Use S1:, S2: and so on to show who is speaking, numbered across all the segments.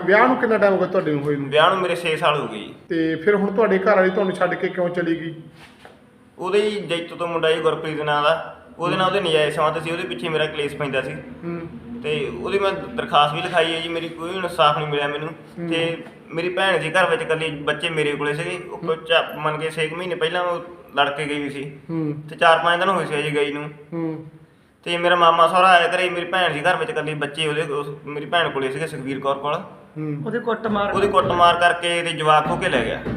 S1: ਵਿਆਹ ਨੂੰ ਕਿੰਨਾ ਟਾਈਮ ਹੋ ਗਿਆ ਤੁਹਾਡੇ ਨੂੰ ਹੋਏ ਨੂੰ?
S2: ਵਿਆਹ ਨੂੰ ਮੇਰੇ 6 ਸਾਲ ਹੋ ਗਏ ਜੀ।
S1: ਤੇ ਫਿਰ ਹੁਣ ਤੁਹਾਡੇ ਘਰ ਵਾਲੀ ਤੁਹਾਨੂੰ ਛੱਡ ਕੇ ਕਿਉਂ ਚਲੀ ਗਈ?
S2: ਉਹਦੇ ਜੀ ਜੈਤੋ ਤੋਂ ਮੁੰਡਾ ਜੀ ਗੁਰਪ੍ਰੀਤ ਨਾਂ ਦਾ, ਉਹਦੇ ਨਾਲ ਉਹਦੇ ਨਜਾਇਜ਼ ਸੰਬੰਧ ਸੀ, ਉਹਦੇ ਪਿੱਛੇ ਮੇਰਾ ਕਲੇਸ਼ ਪੈਂਦਾ ਸੀ ਤੇ ਉਹਦੀ ਮੈਂ ਦਰਖਾਸਤ ਵੀ ਲਿਖਾਈ ਹੈ ਜੀ। ਮੇਰੀ ਕੋਈ ਇਨਸਾਫ ਨਹੀਂ ਮਿਲਿਆ ਮੈਨੂੰ। ਤੇ ਮੇਰੀ ਭੈਣ ਜੀ ਘਰ ਵਿੱਚ ਇਕੱਲੀ, ਬੱਚੇ ਮੇਰੇ ਕੋਲੇ ਸੀਗੇ। ਉਹ ਮੰਨ ਕੇ 6 ਮਹੀਨੇ ਪਹਿਲਾਂ ਉਹ ਲੜ ਕੇ ਗਈ ਵੀ ਸੀ ਤੇ 4-5 ਦਿਨ ਹੋਏ ਸੀ ਜੀ ਗਈ ਨੂੰ। ਤੇ ਮੇਰਾ ਮਾਮਾ ਸਹੁਰਾ ਆਇਆ ਘਰੇ, ਮੇਰੀ ਭੈਣ ਜੀ ਘਰ ਵਿੱਚ ਇਕੱਲੀ, ਬੱਚੇ ਉਹਦੇ ਮੇਰੀ ਭੈਣ ਕੋਲੇ ਸੀਗੇ ਸੁਖਵੀਰ ਕੌਰ ਕੋਲ।
S3: ਉਹਦੀ
S2: ਕੁੱਟਮਾਰ ਕਰਕੇ ਤੇ ਜਵਾਕ ਹੋ ਕੇ ਲੈ ਗਿਆ।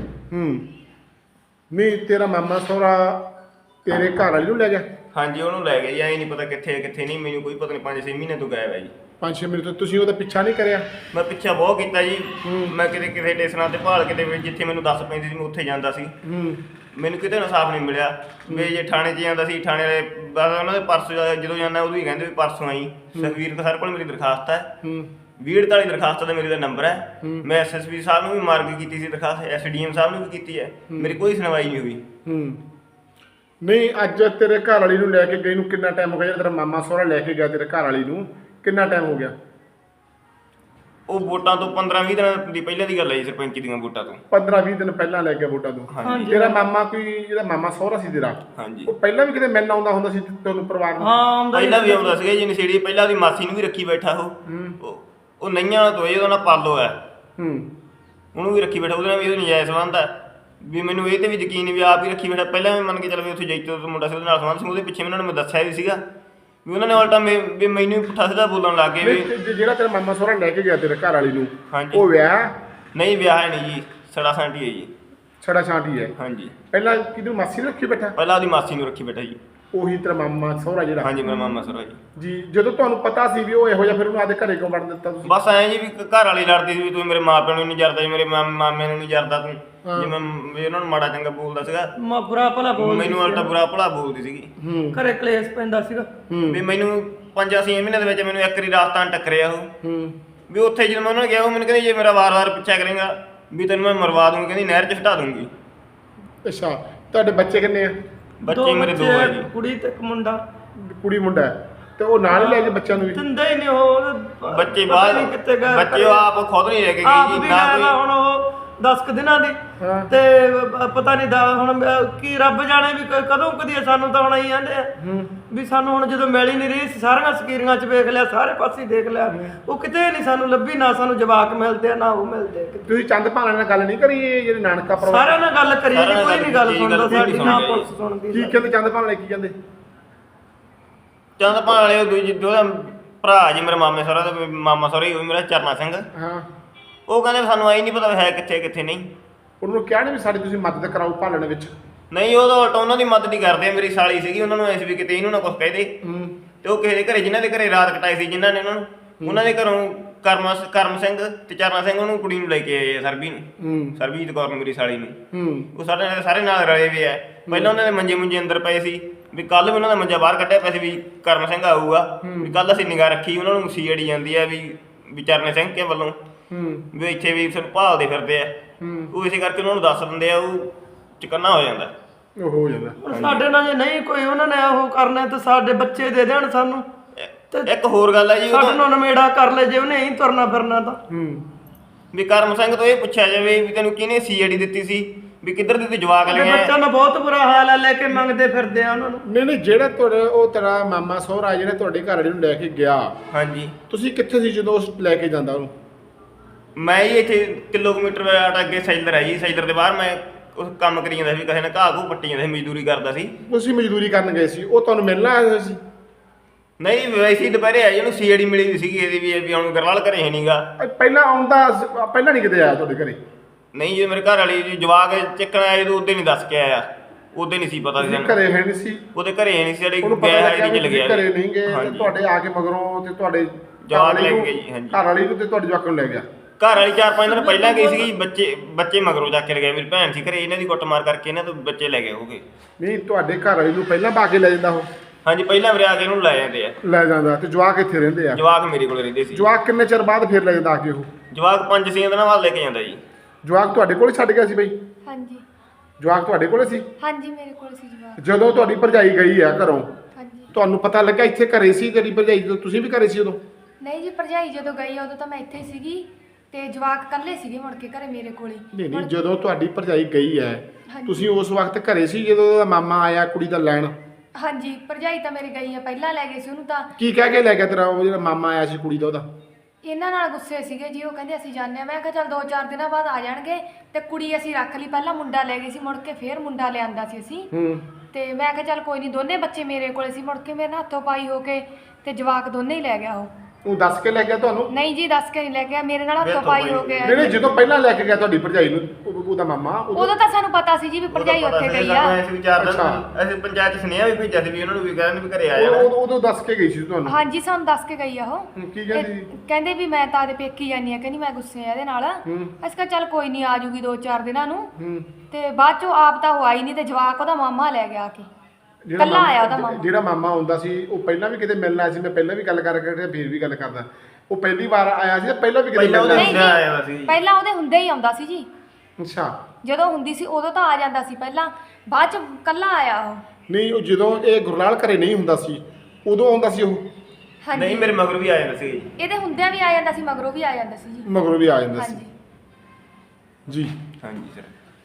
S1: ਨਹੀਂ ਤੇਰਾ ਮਾਮਾ ਸਹੁਰਾ ਤੇਰੇ ਘਰ ਵਾਲੀ ਨੂੰ ਲੈ ਗਿਆ?
S2: ਹਾਂਜੀ ਉਹਨੂੰ ਲੈ ਗਏ ਜੀ। ਐਂ ਨਹੀਂ ਪਤਾ ਕਿੱਥੇ ਕਿੱਥੇ ਨਹੀਂ, ਮੈਨੂੰ ਕੋਈ ਪਤਾ ਨਹੀਂ। 5-6 ਮਹੀਨੇ ਤੋਂ ਗਾਇਬ ਹੈ ਜੀ।
S1: 5-6 ਮਹੀਨੇ ਤੋਂ ਤੁਸੀਂ ਉਹਦਾ ਪਿੱਛਾ ਨਹੀਂ ਕਰਿਆ?
S2: ਮੈਂ ਪਿੱਛਾ ਬਹੁਤ ਕੀਤਾ ਜੀ। ਮੈਂ ਕਿਤੇ ਕਿਸੇ ਸਟੇਸ਼ਨਾਂ ਤੇ ਭਾਲ ਕਿਤੇ ਜਿੱਥੇ ਮੈਨੂੰ ਦੱਸ ਪੈਂਦੀ ਸੀ ਮੈਂ ਉੱਥੇ ਜਾਂਦਾ ਸੀ। ਮੈਨੂੰ ਕਿਤੇ ਇਨਸਾਫ ਨਹੀਂ ਮਿਲਿਆ। ਵੀ ਜੇ ਥਾਣੇ 'ਚ ਜਾਂਦਾ ਸੀ, ਥਾਣੇ ਵਾਲੇ ਬਸ ਉਹਨਾਂ ਦੇ ਪਰਸੋਂ ਜਦੋਂ ਜਾਂਦਾ ਉਦੋਂ ਹੀ ਕਹਿੰਦੇ ਵੀ ਪਰਸੋਂ ਆਈ। ਸੁਖਵੀਰ ਸਰ ਕੋਲ ਮੇਰੀ ਦਰਖਾਸਤ ਹੈ, 2048 ਦਰਖਾਸਤ ਦਾ ਮੇਰੇ ਦਾ ਨੰਬਰ ਹੈ। ਮੈਂ SSP ਸਾਹਿਬ ਨੂੰ ਵੀ ਮਾਰਕ ਕੀਤੀ ਸੀ ਦਰਖਾਸਤ, SDM ਸਾਹਿਬ ਨੂੰ ਵੀ ਕੀਤੀ ਹੈ। ਮੇਰੀ ਕੋਈ ਸੁਣਵਾਈ ਨਹੀਂ ਹੋਈ।
S1: ਨਹੀਂ ਅੱਜ ਤੇਰੇ ਘਰ ਵਾਲੀ ਨੂੰ ਲੈ ਕੇ ਗਈ ਨੂੰ ਕਿੰਨਾ ਟਾਈਮ ਹੋ ਗਿਆ? ਤੇਰਾ ਮਾਮਾ ਸਹੁਰਾ ਲੈ ਕੇ ਗਿਆ ਤੇਰੇ ਘਰ ਵਾਲੀ ਨੂੰ, ਕਿੰਨਾ ਟਾਈਮ ਹੋ ਗਿਆ?
S2: ਉਹ ਵੋਟਾਂ ਤੋਂ 15-20 ਦਿਨ ਦੀ ਪਹਿਲਾਂ ਦੀ ਗੱਲ ਹੈ ਜੀ, ਸਰਪੰਚੀ ਦੀਆਂ ਵੋਟਾਂ ਤੋਂ
S1: 15-20 ਦਿਨ ਪਹਿਲਾਂ ਲੈ ਗਿਆ ਵੋਟਾਂ ਤੋਂ। ਤੇਰਾ ਮਾਮਾ ਕੋਈ ਜਿਹੜਾ ਮਾਮਾ ਸਹੁਰਾ ਸੀ ਤੇਰਾ,
S2: ਹਾਂਜੀ,
S1: ਉਹ ਪਹਿਲਾਂ ਵੀ ਕਿਤੇ ਮਿਲਣ ਆਉਂਦਾ ਹੁੰਦਾ ਸੀ ਤੁਹਾਨੂੰ ਪਰਿਵਾਰ ਨੂੰ?
S3: ਹਾਂ
S2: ਪਹਿਲਾਂ ਵੀ ਆਉਂਦਾ ਸੀਗਾ ਜੀ ਨਸ਼ੇੜੀ। ਪਹਿਲਾਂ ਉਹਦੀ ਮਾਸੀ ਨੂੰ ਵੀ ਰੱਖੀ ਬੈਠਾ ਉਹ ਨਈਆਂ ਤੋਂ ਉਹਦਾ ਨਾਂ ਪਾਲੋ ਹੈ, ਉਹਨੂੰ ਵੀ ਰੱਖੀ ਬੈਠਾ। ਉਹਦੇ ਨਾਲ ਵੀ ਉਹਦਾ ਨਜਾਇਜ਼ ਸੰਬੰਧ ਹੈ। ਵੀ ਮੈਨੂੰ ਇਹ ਤੇ ਵੀ ਯਕੀਨ ਨਹੀਂ ਵੀ ਆਪ ਹੀ ਰੱਖੀ ਬੈਠਾ। ਪਹਿਲਾਂ ਵੀ ਮੰਨ ਕੇ ਚੱਲ ਵੀ ਉੱਥੇ ਜੈਤੋ ਤੋਂ ਮੁੰਡਾ ਸੀ, ਉਹਦੇ ਨਾਲ ਸੰਬੰਧ ਸੀ। ਉਹਦੇ ਪਿੱਛੇ ਉਹਨਾਂ ਨੇ ਮੈਂ ਦੱਸਿਆ ਵੀ ਸੀਗਾ ਵੀ ਉਹਨਾਂ ਨੇ ਉਲਟਾ ਵੀ ਮੈਨੂੰ ਪੁੱਠਾ ਸਿੱਧਾ ਬੋਲਣ ਲੱਗ ਗਏ ਵੀ
S1: ਜਿਹੜਾ ਤੇਰਾ ਮਾਮਾ ਸਹੁਰਾ ਲੈ ਕੇ ਗਿਆ ਤੇਰੇ ਘਰ ਵਾਲੀ ਨੂੰ,
S2: ਹਾਂਜੀ,
S1: ਉਹ ਵਿਆਹ?
S2: ਨਹੀਂ ਵਿਆਹ ਹੈ ਨਹੀਂ ਜੀ, ਸੜਾ ਸਾਂਟੀ ਹੈ ਜੀ।
S1: ਛੜਾ ਛਾਂਟੀ ਹੈ?
S2: ਹਾਂਜੀ।
S1: ਪਹਿਲਾਂ ਕਿਹਨੂੰ ਮਾਸੀ ਨੂੰ ਰੱਖੀ ਬੈਠਾ?
S2: ਪਹਿਲਾਂ ਉਹਦੀ ਮਾਸੀ ਨੂੰ ਰੱਖੀ ਬੈਠਾ ਜੀ।
S1: ਉਹੀ ਤੇਰਾ ਮਾਮਾ ਸਹੁਰਾ ਜਿਹੜਾ?
S2: ਹਾਂਜੀ ਮੇਰਾ ਮਾਮਾ ਸਹੁਰਾ
S1: ਜੀ। ਜਦੋਂ ਤੁਹਾਨੂੰ ਪਤਾ ਸੀ ਵੀ ਉਹ ਇਹੋ ਜਿਹਾ, ਫਿਰ ਉਹਨੂੰ ਆਦੇ ਘਰੇ ਕਿਉਂ ਵੜਨ ਦਿੱਤਾ ਤੁਸੀਂ?
S2: ਬਸ ਐਂ ਜੀ ਵੀ ਘਰ ਵਾਲੀ ਲੜਦੀ ਸੀ ਵੀ ਤੂੰ ਮੇਰੇ ਮਾਪਿਆਂ ਨੂੰ ਨਹੀਂ ਜਰਦਾ, ਮੇਰੇ ਮਾਮੇ ਨੂੰ ਨਹੀਂ ਜਰਦਾ ਤੂੰ, ਜਿਵੇਂ ਵੀ ਉਹਨਾਂ ਨੂੰ ਮਾੜਾ ਚੰਗਾ ਬੋਲਦਾ ਸੀਗਾ।
S3: ਬੁਰਾ ਭਲਾ ਬੋਲਦੀ,
S2: ਮੈਨੂੰ ਉਲਟਾ ਬੁਰਾ ਭਲਾ ਬੋਲਦੀ ਸੀਗੀ।
S3: ਘਰੇ ਕਲੇਸ਼ ਪੈਂਦਾ ਸੀਗਾ
S2: ਵੀ ਮੈਨੂੰ 5-6 ਮਹੀਨੇ ਦੇ ਵਿੱਚ ਮੈਨੂੰ ਇੱਕ ਵਾਰੀ ਰਾਸਤਾਂ ਟੱਕਰਿਆ ਉਹ ਵੀ ਉੱਥੇ ਜਦੋਂ ਮੈਂ ਉਹਨਾਂ ਨੂੰ ਗਿਆ, ਉਹ ਮੈਨੂੰ ਕਹਿੰਦੀ ਜੇ ਮੇਰਾ ਵਾਰ-ਵਾਰ ਪਿੱਛਾ ਕਰੇਗਾ ਵੀ ਤੈਨੂੰ ਮੈਂ ਮਰਵਾ ਦੂੰਗੀ, ਕਹਿੰਦੀ ਨਹਿਰ 'ਚ ਹਟਾ ਦੂੰਗੀ।
S1: ਅੱਛਾ। ਤੁਹਾਡੇ ਬੱਚੇ ਕਿੰਨੇ ਆ?
S2: ਬੱਚੇ ਮੇਰੇ 2 ਆ ਜੀ,
S3: ਕੁੜੀ ਤੇ ਇੱਕ ਮੁੰਡਾ।
S1: ਕੁੜੀ ਮੁੰਡਾ ਹੈ ਤੇ ਉਹ ਨਾਲ ਹੀ ਲੈ ਕੇ ਬੱਚਿਆਂ ਨੂੰ ਵੀ?
S3: ਦਿੰਦੇ ਹੀ ਨਹੀਂ ਉਹ
S2: ਬੱਚੇ ਬਾਹਰ, ਬੱਚੇ ਆਪ ਖੁਦ ਨਹੀਂ ਲੈ ਕੇ ਗਈ ਜੀ ਨਾ ਕੋਈ।
S3: ਹੁਣ ਉਹ 10 ਕੁ ਦਿਨਾਂ ਦੀ ਤੇ ਪਤਾ ਨਹੀਂ ਹੁਣ ਕੀ ਰੱਬ ਜਾਣੇ ਵੀ ਕਦੋਂ ਕਦੀ ਸਾਨੂੰ ਤਾਂ ਹੁਣ ਆਈ ਜਾਂਦੇ ਆ ਵੀ ਸਾਨੂੰ ਹੁਣ ਜਦੋਂ ਮਿਲ ਹੀ ਨਹੀਂ ਰਹੀ। ਸਾਰੀਆਂ ਸਕੀਰੀਆਂ 'ਚ ਵੇਖ ਲਿਆ, ਸਾਰੇ ਪਾਸੇ ਦੇਖ ਲਿਆ, ਉਹ ਕਿਤੇ ਨਹੀਂ ਸਾਨੂੰ ਲੱਭੀ। ਨਾ ਸਾਨੂੰ ਜਵਾਕ ਮਿਲਦੇ ਆ ਨਾ ਉਹ ਮਿਲਦੇ।
S1: ਤੁਸੀਂ ਚੰਦ ਭਾਲਾਂ ਨਾਲ ਗੱਲ ਨਹੀਂ ਕਰੀ? ਜਿਹੜੇ ਨਾਨਕਾ ਪਰਿਵਾਰ
S3: ਸਾਰਿਆਂ ਨਾਲ ਗੱਲ ਕਰੀ ਜੀ, ਕੋਈ ਨਹੀਂ ਗੱਲ ਸੁਣਦਾ ਸਾਡੀ, ਨਾ ਪੁਲਿਸ ਸੁਣਦੀ।
S1: ਕੀ ਕਹਿੰਦੇ ਚੰਦ ਭਾਲਾਂ ਕੀ ਕਹਿੰਦੇ?
S2: ਚੰਦ ਭਾਲ ਵਾਲੇ ਦੂਜੀ ਉਹਦਾ ਭਰਾ ਜੀ ਮੇਰੇ ਮਾਮੇ ਸਹੁਰਾ ਦਾ, ਮਾਮਾ ਸਹੁਰਾ ਹੀ ਉਹ ਮੇਰਾ ਚਰਨਾ ਸਿੰਘ।
S1: ਹਾਂ।
S2: ਉਹ ਕਹਿੰਦੇ ਸਾਨੂੰ ਆਈ ਨਹੀਂ ਪਤਾ ਹੈ ਕਿੱਥੇ ਕਿੱਥੇ ਨਹੀਂ।
S1: ਉਹਨੂੰ ਕਿਹਾ ਨਹੀਂ ਵੀ ਸਾਡੀ ਤੁਸੀਂ ਮਦਦ ਕਰਾਓ ਭਾਲਣ ਵਿੱਚ?
S2: ਨਹੀਂ, ਉਹਦਾ ਉਲਟਾ ਉਹਨਾਂ ਦੀ ਮਦਦ ਹੀ ਕਰਦੇ। ਮੇਰੀ ਸਾਲੀ ਸੀਗੀ, ਉਹਨਾਂ ਨੂੰ ਐਸ ਵੀ ਕਿਤੇ ਇਹਨੂੰ ਨਾ ਕੁਛ ਕਹਿ ਦੇ। ਤੇ ਉਹ ਕਿਸੇ ਦੇ ਘਰੇ, ਜਿਨ੍ਹਾਂ ਦੇ ਘਰੇ ਰਾਤ ਕਟਾਈ ਸੀ, ਜਿਨ੍ਹਾਂ ਨੇ ਉਹਨਾਂ ਦੇ ਘਰੋਂ ਕਰਮ ਸਿੰਘ ਤੇ ਚਰਨਾ ਸਿੰਘ ਉਹਨੂੰ ਕੁੜੀ ਨੂੰ ਲੈ ਕੇ ਆਏ ਆ, ਸਰਬੀ ਨੂੰ, ਸਰਬਜੀਤ ਕੌਰ ਨੂੰ, ਮੇਰੀ ਸਾਲੀ ਨੂੰ। ਉਹ ਸਾਰੇ ਨਾਲ ਰਲੇ ਵੀ ਆ। ਪਹਿਲਾਂ ਉਹਨਾਂ ਦੇ ਮੰਜੇ ਅੰਦਰ ਪਏ ਸੀ ਵੀ ਕੱਲ ਵੀ ਉਹਨਾਂ ਦਾ ਮੰਜਾ ਬਾਹਰ ਕੱਢਿਆ ਪਿਆ ਸੀ ਵੀ ਕਰਮ ਸਿੰਘ ਆਊਗਾ, ਵੀ ਕੱਲ ਅਸੀਂ ਨਿਗਾਹ ਰੱਖੀ। ਉਹਨਾਂ ਨੂੰ ਸੀਆਈਡੀ ਜਾਂਦੀ ਆ ਵੀ ਚਰਨੇ ਸਿੰਘ ਕੇ ਵੱਲੋਂ ਵੀ ਇੱਥੇ ਵੀ ਸਾਨੂੰ ਭਾਲਦੇ ਫਿਰਦੇ ਆ। ਉਹ ਇਸੇ ਕਰਕੇ ਉਹਨਾਂ ਨੂੰ ਦੱਸ ਦਿੰਦੇ ਆ, ਉਹ ਚਕੰਨਾ ਹੋ ਜਾਂਦਾ।
S1: ਉਹ ਹੋ ਜਾਂਦਾ।
S3: ਹੁਣ ਸਾਡੇ ਨਾਲ ਜੇ ਨਹੀਂ ਕੋਈ ਉਹਨਾਂ ਨੇ ਉਹ ਕਰਨਾ ਤਾਂ ਸਾਡੇ ਬੱਚੇ ਦੇ ਦੇਣ ਸਾਨੂੰ।
S2: ਇੱਕ ਹੋਰ ਗੱਲ ਹੈ ਜੀ,
S3: ਸਾਡੇ ਨੂੰ ਨਮੇੜਾ ਕਰ ਲੈ ਜੇ ਉਹਨੇ ਹੀ ਤੁਰਨਾ ਫਿਰਨਾ ਤਾਂ।
S2: ਵੀ ਕਰਮ ਸਿੰਘ ਤੋਂ ਇਹ ਪੁੱਛਿਆ ਜਾਵੇ ਵੀ ਤੈਨੂੰ ਕਿਹਨੇ ਸੀਆਈਡੀ ਦਿੱਤੀ ਸੀ, ਵੀ ਕਿੱਧਰ ਦੀ ਜਵਾਕ ਲਿਆ?
S3: ਬੱਚਿਆਂ ਦਾ ਬਹੁਤ ਬੁਰਾ ਹਾਲ ਹੈ, ਲੈ ਕੇ ਮੰਗਦੇ ਫਿਰਦੇ ਆ ਉਹਨਾਂ ਨੂੰ।
S1: ਨਹੀਂ ਜਿਹੜਾ ਤੁਹਾਡਾ ਉਹ ਤੇਰਾ ਮਾਮਾ ਸਹੁਰਾ ਜਿਹੜਾ ਤੁਹਾਡੇ ਘਰ ਵਾਲੇ ਨੂੰ ਲੈ ਕੇ ਗਿਆ,
S2: ਹਾਂਜੀ,
S1: ਤੁਸੀਂ ਕਿੱਥੇ ਸੀ ਜਦੋਂ ਉਸ ਲੈ ਕੇ ਜਾਂਦਾ ਉਹਨੂੰ?
S2: ਮੈਂ ਜੀ ਇੱਥੇ ਕਿਲੋਮੀਟਰ ਅੱਗੇ ਸੈਲਰ ਹੈ ਜੀ, ਸੈਲਰ ਦੇ ਬਾਹਰ ਮੈਂ ਉਸ ਕੰਮ ਕਰੀ ਜਾਂਦਾ ਸੀ, ਕਿਸੇ ਨੇ ਘਾਹ ਘੂ ਪੱਟੀ ਜਾਂਦਾ ਸੀ, ਮਜ਼ਦੂਰੀ ਕਰਦਾ ਸੀ।
S1: ਤੁਸੀਂ ਮਜ਼ਦੂਰੀ ਕਰਨ ਗਏ ਸੀ, ਉਹ ਤੁਹਾਨੂੰ ਮਿਲਣ ਆਇਆ ਹੋਇਆ ਸੀ?
S2: ਨਹੀਂ, ਵੈਸੇ ਹੀ ਦੁਪਹਿਰੇ ਆਈ, ਉਹਨੂੰ ਸੀਆਈਡੀ ਮਿਲੀ ਹੋਈ ਸੀਗੀ ਇਹਦੀ ਵੀ ਹੁਣ ਗਰਵਾਲ ਘਰੇ ਹੈ ਨਹੀਂਗਾ।
S1: ਪਹਿਲਾਂ ਆਉਂਦਾ, ਪਹਿਲਾਂ ਨਹੀਂ ਕਿਤੇ ਆਇਆ ਤੁਹਾਡੇ ਘਰੇ?
S2: ਨਹੀਂ ਜੀ, ਮੇਰੇ ਘਰ ਵਾਲੀ ਜਵਾਕ ਚੱਕਣ ਆਇਆ ਜਦੋਂ ਉਹਦੇ ਨਹੀਂ ਦੱਸ ਕੇ ਆਇਆ, ਉਹਦੇ ਨਹੀਂ ਸੀ ਪਤਾ ਸੀ
S1: ਘਰੇ ਹੈ ਨਹੀਂ ਸੀ,
S2: ਉਹਦੇ ਘਰੇ ਹੈ ਨਹੀਂ ਸੀ, ਸਾਡੇ
S1: ਗਿਆ ਹੈ ਚਲ ਗਿਆ ਘਰੇ ਨਹੀਂ ਗਏ, ਤੁਹਾਡੇ ਆ ਕੇ ਮਗਰੋਂ ਤੇ ਤੁਹਾਡੇ
S2: ਜਵਾਕ ਲੈ ਗਏ ਜੀ। ਹਾਂਜੀ,
S1: ਘਰ ਵਾਲੀ ਨੂੰ ਤੇ ਤੁਹਾਡੇ ਜਵਾਕ ਨੂੰ ਲੈ ਗਿਆ।
S2: ਘਰ ਵਾਲੀ 4-5 ਦਿਨ ਪਹਿਲਾਂ ਗਈ ਸੀਗੀ, ਬੱਚੇ ਮਗਰੋਂ ਜਾ ਕੇ ਲੈ ਗਏ। ਮੇਰੀ ਭੈਣ ਸੀ ਘਰੇ, ਇਹਨਾਂ ਦੀ ਕੁੱਟਮਾਰ ਕਰਕੇ ਇਹਨਾਂ ਤੋਂ ਬੱਚੇ ਲੈ ਗਏ ਹੋਗੇ।
S1: ਨਹੀਂ, ਤੁਹਾਡੇ ਘਰ ਵਾਲੀ ਨੂੰ ਪਹਿਲਾਂ ਪਾ ਕੇ ਲੈ ਜਾਂਦਾ ਉਹ?
S2: ਹਾਂਜੀ, ਪਹਿਲਾਂ ਮੇਰੇ ਆ ਕੇ ਇਹਨੂੰ ਲੈ ਜਾਂਦੇ ਆ।
S1: ਲੈ ਜਾਂਦਾ। ਤੇ ਜਵਾਕ ਇੱਥੇ ਰਹਿੰਦੇ ਆ?
S2: ਜਵਾਕ ਮੇਰੇ ਕੋਲ ਰਹਿੰਦੇ ਸੀ।
S1: ਜਵਾਕ ਕਿੰਨੇ ਚਿਰ ਬਾਅਦ ਫਿਰ ਲੈ ਜਾਂਦਾ ਆ ਕੇ ਉਹ?
S2: ਜਵਾਕ 5-6 ਦਿਨਾਂ ਬਾਅਦ ਲੈ ਕੇ ਜਾਂਦਾ ਜੀ।
S1: ਜਵਾਕ ਤੁਹਾਡੇ ਕੋਲ ਛੱਡ ਗਿਆ ਸੀ ਬਈ?
S4: ਹਾਂਜੀ।
S1: ਜਵਾਕ ਤੁਹਾਡੇ ਕੋਲ ਸੀ?
S4: ਹਾਂਜੀ, ਮੇਰੇ ਕੋਲ ਸੀ ਜਵਾਕ।
S1: ਜਦੋਂ ਤੁਹਾਡੀ ਭਰਜਾਈ ਗਈ ਆ ਘਰੋਂ,
S4: ਹਾਂਜੀ,
S1: ਤੁਹਾਨੂੰ ਪਤਾ ਲੱਗਾ ਇੱਥੇ ਘਰੇ ਸੀ ਤੇਰੀ ਭਰਜਾਈ? ਜਦੋਂ ਤੁਸੀਂ ਵੀ ਘਰੇ ਸੀ ਉਦੋਂ?
S4: ਨਹੀਂ ਜੀ, ਭਰਜਾਈ ਜਦੋਂ ਗਈ ਉਦੋਂ ਤਾਂ ਮੈਂ ਇੱਥੇ ਹੀ ਸੀਗੀ। ਤੇ ਜਵਾਕ ਇਕੱਲੇ ਸੀਗੇ ਮੁੜ ਕੇ ਘਰੇ ਮੇਰੇ ਕੋਲੇ।
S1: ਨਹੀਂ ਜਦੋਂ ਤੁਹਾਡੀ ਭਰਜਾਈ ਗਈ ਹੈ ਤੁਸੀਂ ਉਸ ਵਕਤ ਘਰੇ ਸੀ ਜਦੋਂ ਉਹਦਾ ਮਾਮਾ ਆਇਆ ਕੁੜੀ ਦਾ ਲੈਣ?
S4: ਹਾਂਜੀ ਭਰਜਾਈ ਤਾਂ ਮੇਰੀ ਗਈ ਆ, ਪਹਿਲਾਂ ਲੈ ਗਏ ਸੀ ਉਹਨੂੰ। ਤਾਂ
S1: ਕੀ ਕਹਿ ਕੇ ਲੈ ਗਿਆ ਤੇਰਾ ਉਹ ਜਿਹੜਾ ਮਾਮਾ ਆਇਆ ਸੀ ਕੁੜੀ ਦਾ ਉਹਦਾ?
S4: ਇਹਨਾਂ ਨਾਲ ਗੁੱਸੇ ਸੀਗੇ ਜੀ, ਉਹ ਕਹਿੰਦੇ ਅਸੀਂ ਜਾਂਦੇ ਆ। ਮੈਂ ਕਿਹਾ ਚੱਲ 2-4 ਦਿਨਾਂ ਬਾਅਦ ਆ ਜਾਣਗੇ। ਤੇ ਕੁੜੀ ਅਸੀਂ ਰੱਖ ਲਈ, ਪਹਿਲਾਂ ਮੁੰਡਾ ਲੈ ਗਏ ਸੀ, ਮੁੜ ਕੇ ਫੇਰ ਮੁੰਡਾ ਲਿਆਂਦਾ ਸੀ ਅਸੀਂ। ਤੇ ਮੈਂ ਕਿਹਾ ਚੱਲ ਕੋਈ ਨਹੀਂ, ਦੋਨੇ ਬੱਚੇ ਮੇਰੇ ਕੋਲੇ ਸੀ। ਮੁੜ ਕੇ ਮੇਰੇ ਨਾਲ ਹੱਥੋਂ ਪਾਈ ਹੋ ਕੇ ਤੇ ਜਵਾਕ ਦੋਨੇ ਹੀ ਲੈ ਗਿਆ ਉਹ
S1: ਦੱਸ ਕੇ ਲੈ ਗਿਆ ਤੁਹਾਨੂੰ?
S4: ਨਹੀਂ ਜੀ ਦੱਸ ਕੇ ਨਹੀਂ ਲੈ ਗਿਆ, ਮੇਰੇ ਨਾਲ ਹੱਥੋਂ ਪਾਈ ਹੋ ਗਿਆ।
S1: ਨਹੀਂ ਜਦੋਂ ਪਹਿਲਾਂ ਲੈ ਕੇ ਗਿਆ ਤੁਹਾਡੀ ਭਰਜਾਈ ਨੂੰ ਉਹਦਾ ਮਾਮਾ
S4: ਉਦੋਂ ਤਾਂ ਸਾਨੂੰ ਪਤਾ ਸੀ ਜੀ ਵੀ ਭਰਜਾਈ ਉੱਥੇ ਗਈ ਆ।
S2: ਅਸੀਂ ਵਿਚਾਰ ਅਸੀਂ ਪੰਚਾਇਤ ਸੁਨੇਹਾ ਵੀ ਭੇਜਿਆ ਸੀ ਵੀ ਉਹਨਾਂ ਨੂੰ ਵੀ ਕਹਿਣ ਵੀ ਘਰੇ ਆ ਜਾਣਾ।
S1: ਉਦੋਂ ਦੱਸ ਕੇ ਗਈ ਸੀ ਤੁਹਾਨੂੰ?
S4: ਹਾਂਜੀ ਸਾਨੂੰ ਦੱਸ ਕੇ ਗਈ ਆ ਉਹ।
S1: ਕੀ ਕਹਿੰਦੀ?
S4: ਕਹਿੰਦੇ ਵੀ ਮੈਂ ਤਾਂ ਆਦੇ ਪੇਕੀ ਜਾਨੀ ਆ, ਕਹਿੰਦੀ ਮੈਂ ਗੁੱਸੇ ਆ ਇਹਦੇ ਨਾਲ। ਅਸੀਂ ਕਿਹਾ ਚੱਲ ਕੋਈ ਨਹੀਂ, ਆ ਜੂਗੀ 2-4 ਦਿਨਾਂ ਨੂੰ। ਤੇ ਬਾਅਦ ਚੋਂ ਆਪ ਤਾਂ ਉਹ ਆਈ ਨਹੀਂ ਤੇ ਜਵਾਕ ਉਹਦਾ ਮਾਮਾ ਲੈ ਗਿਆ ਆ ਕੇ। ਕੱਲਾ ਆਇਆ ਉਹਦਾ ਮਾਮਾ।
S1: ਜਿਹੜਾ ਮਾਮਾ ਹੁੰਦਾ ਸੀ ਉਹ ਪਹਿਲਾਂ ਵੀ ਕਿਤੇ ਮਿਲਣ ਆਇਆ ਸੀ? ਮੈਂ ਪਹਿਲਾਂ ਵੀ ਗੱਲ ਕਰਕੇ ਫਿਰ ਵੀ ਗੱਲ ਕਰਦਾ, ਉਹ ਪਹਿਲੀ ਵਾਰ ਆਇਆ ਸੀ ਪਹਿਲਾਂ ਵੀ ਕਿਤੇ ਮਿਲਣ
S2: ਆਇਆ ਸੀ?
S4: ਪਹਿਲਾਂ ਉਹਦੇ ਹੁੰਦੇ ਹੀ ਆਉਂਦਾ ਸੀ ਜੀ।
S1: ਅੱਛਾ
S4: ਜਦੋਂ ਹੁੰਦੀ ਸੀ ਉਦੋਂ ਤਾਂ ਆ ਜਾਂਦਾ ਸੀ ਪਹਿਲਾਂ, ਬਾਅਦ ਚ ਕੱਲਾ ਆਇਆ ਉਹ।
S1: ਨਹੀਂ ਉਹ ਜਦੋਂ ਇਹ ਗੁਰਲਾਲ ਘਰੇ ਨਹੀਂ ਹੁੰਦਾ ਸੀ ਉਦੋਂ ਆਉਂਦਾ ਸੀ ਉਹ?
S4: ਹਾਂਜੀ
S2: ਨਹੀਂ ਮੇਰੇ ਮਗਰ ਵੀ ਆ ਜਾਂਦਾ ਸੀ।
S4: ਇਹਦੇ ਹੁੰਦਿਆਂ ਵੀ ਆ ਜਾਂਦਾ ਸੀ, ਮਗਰੋਂ ਵੀ ਆ ਜਾਂਦਾ ਸੀ ਜੀ।
S1: ਮਗਰੋਂ ਵੀ ਆ ਜਾਂਦਾ ਸੀ
S4: ਹਾਂਜੀ
S1: ਜੀ।
S2: ਹਾਂਜੀ ਸਰ।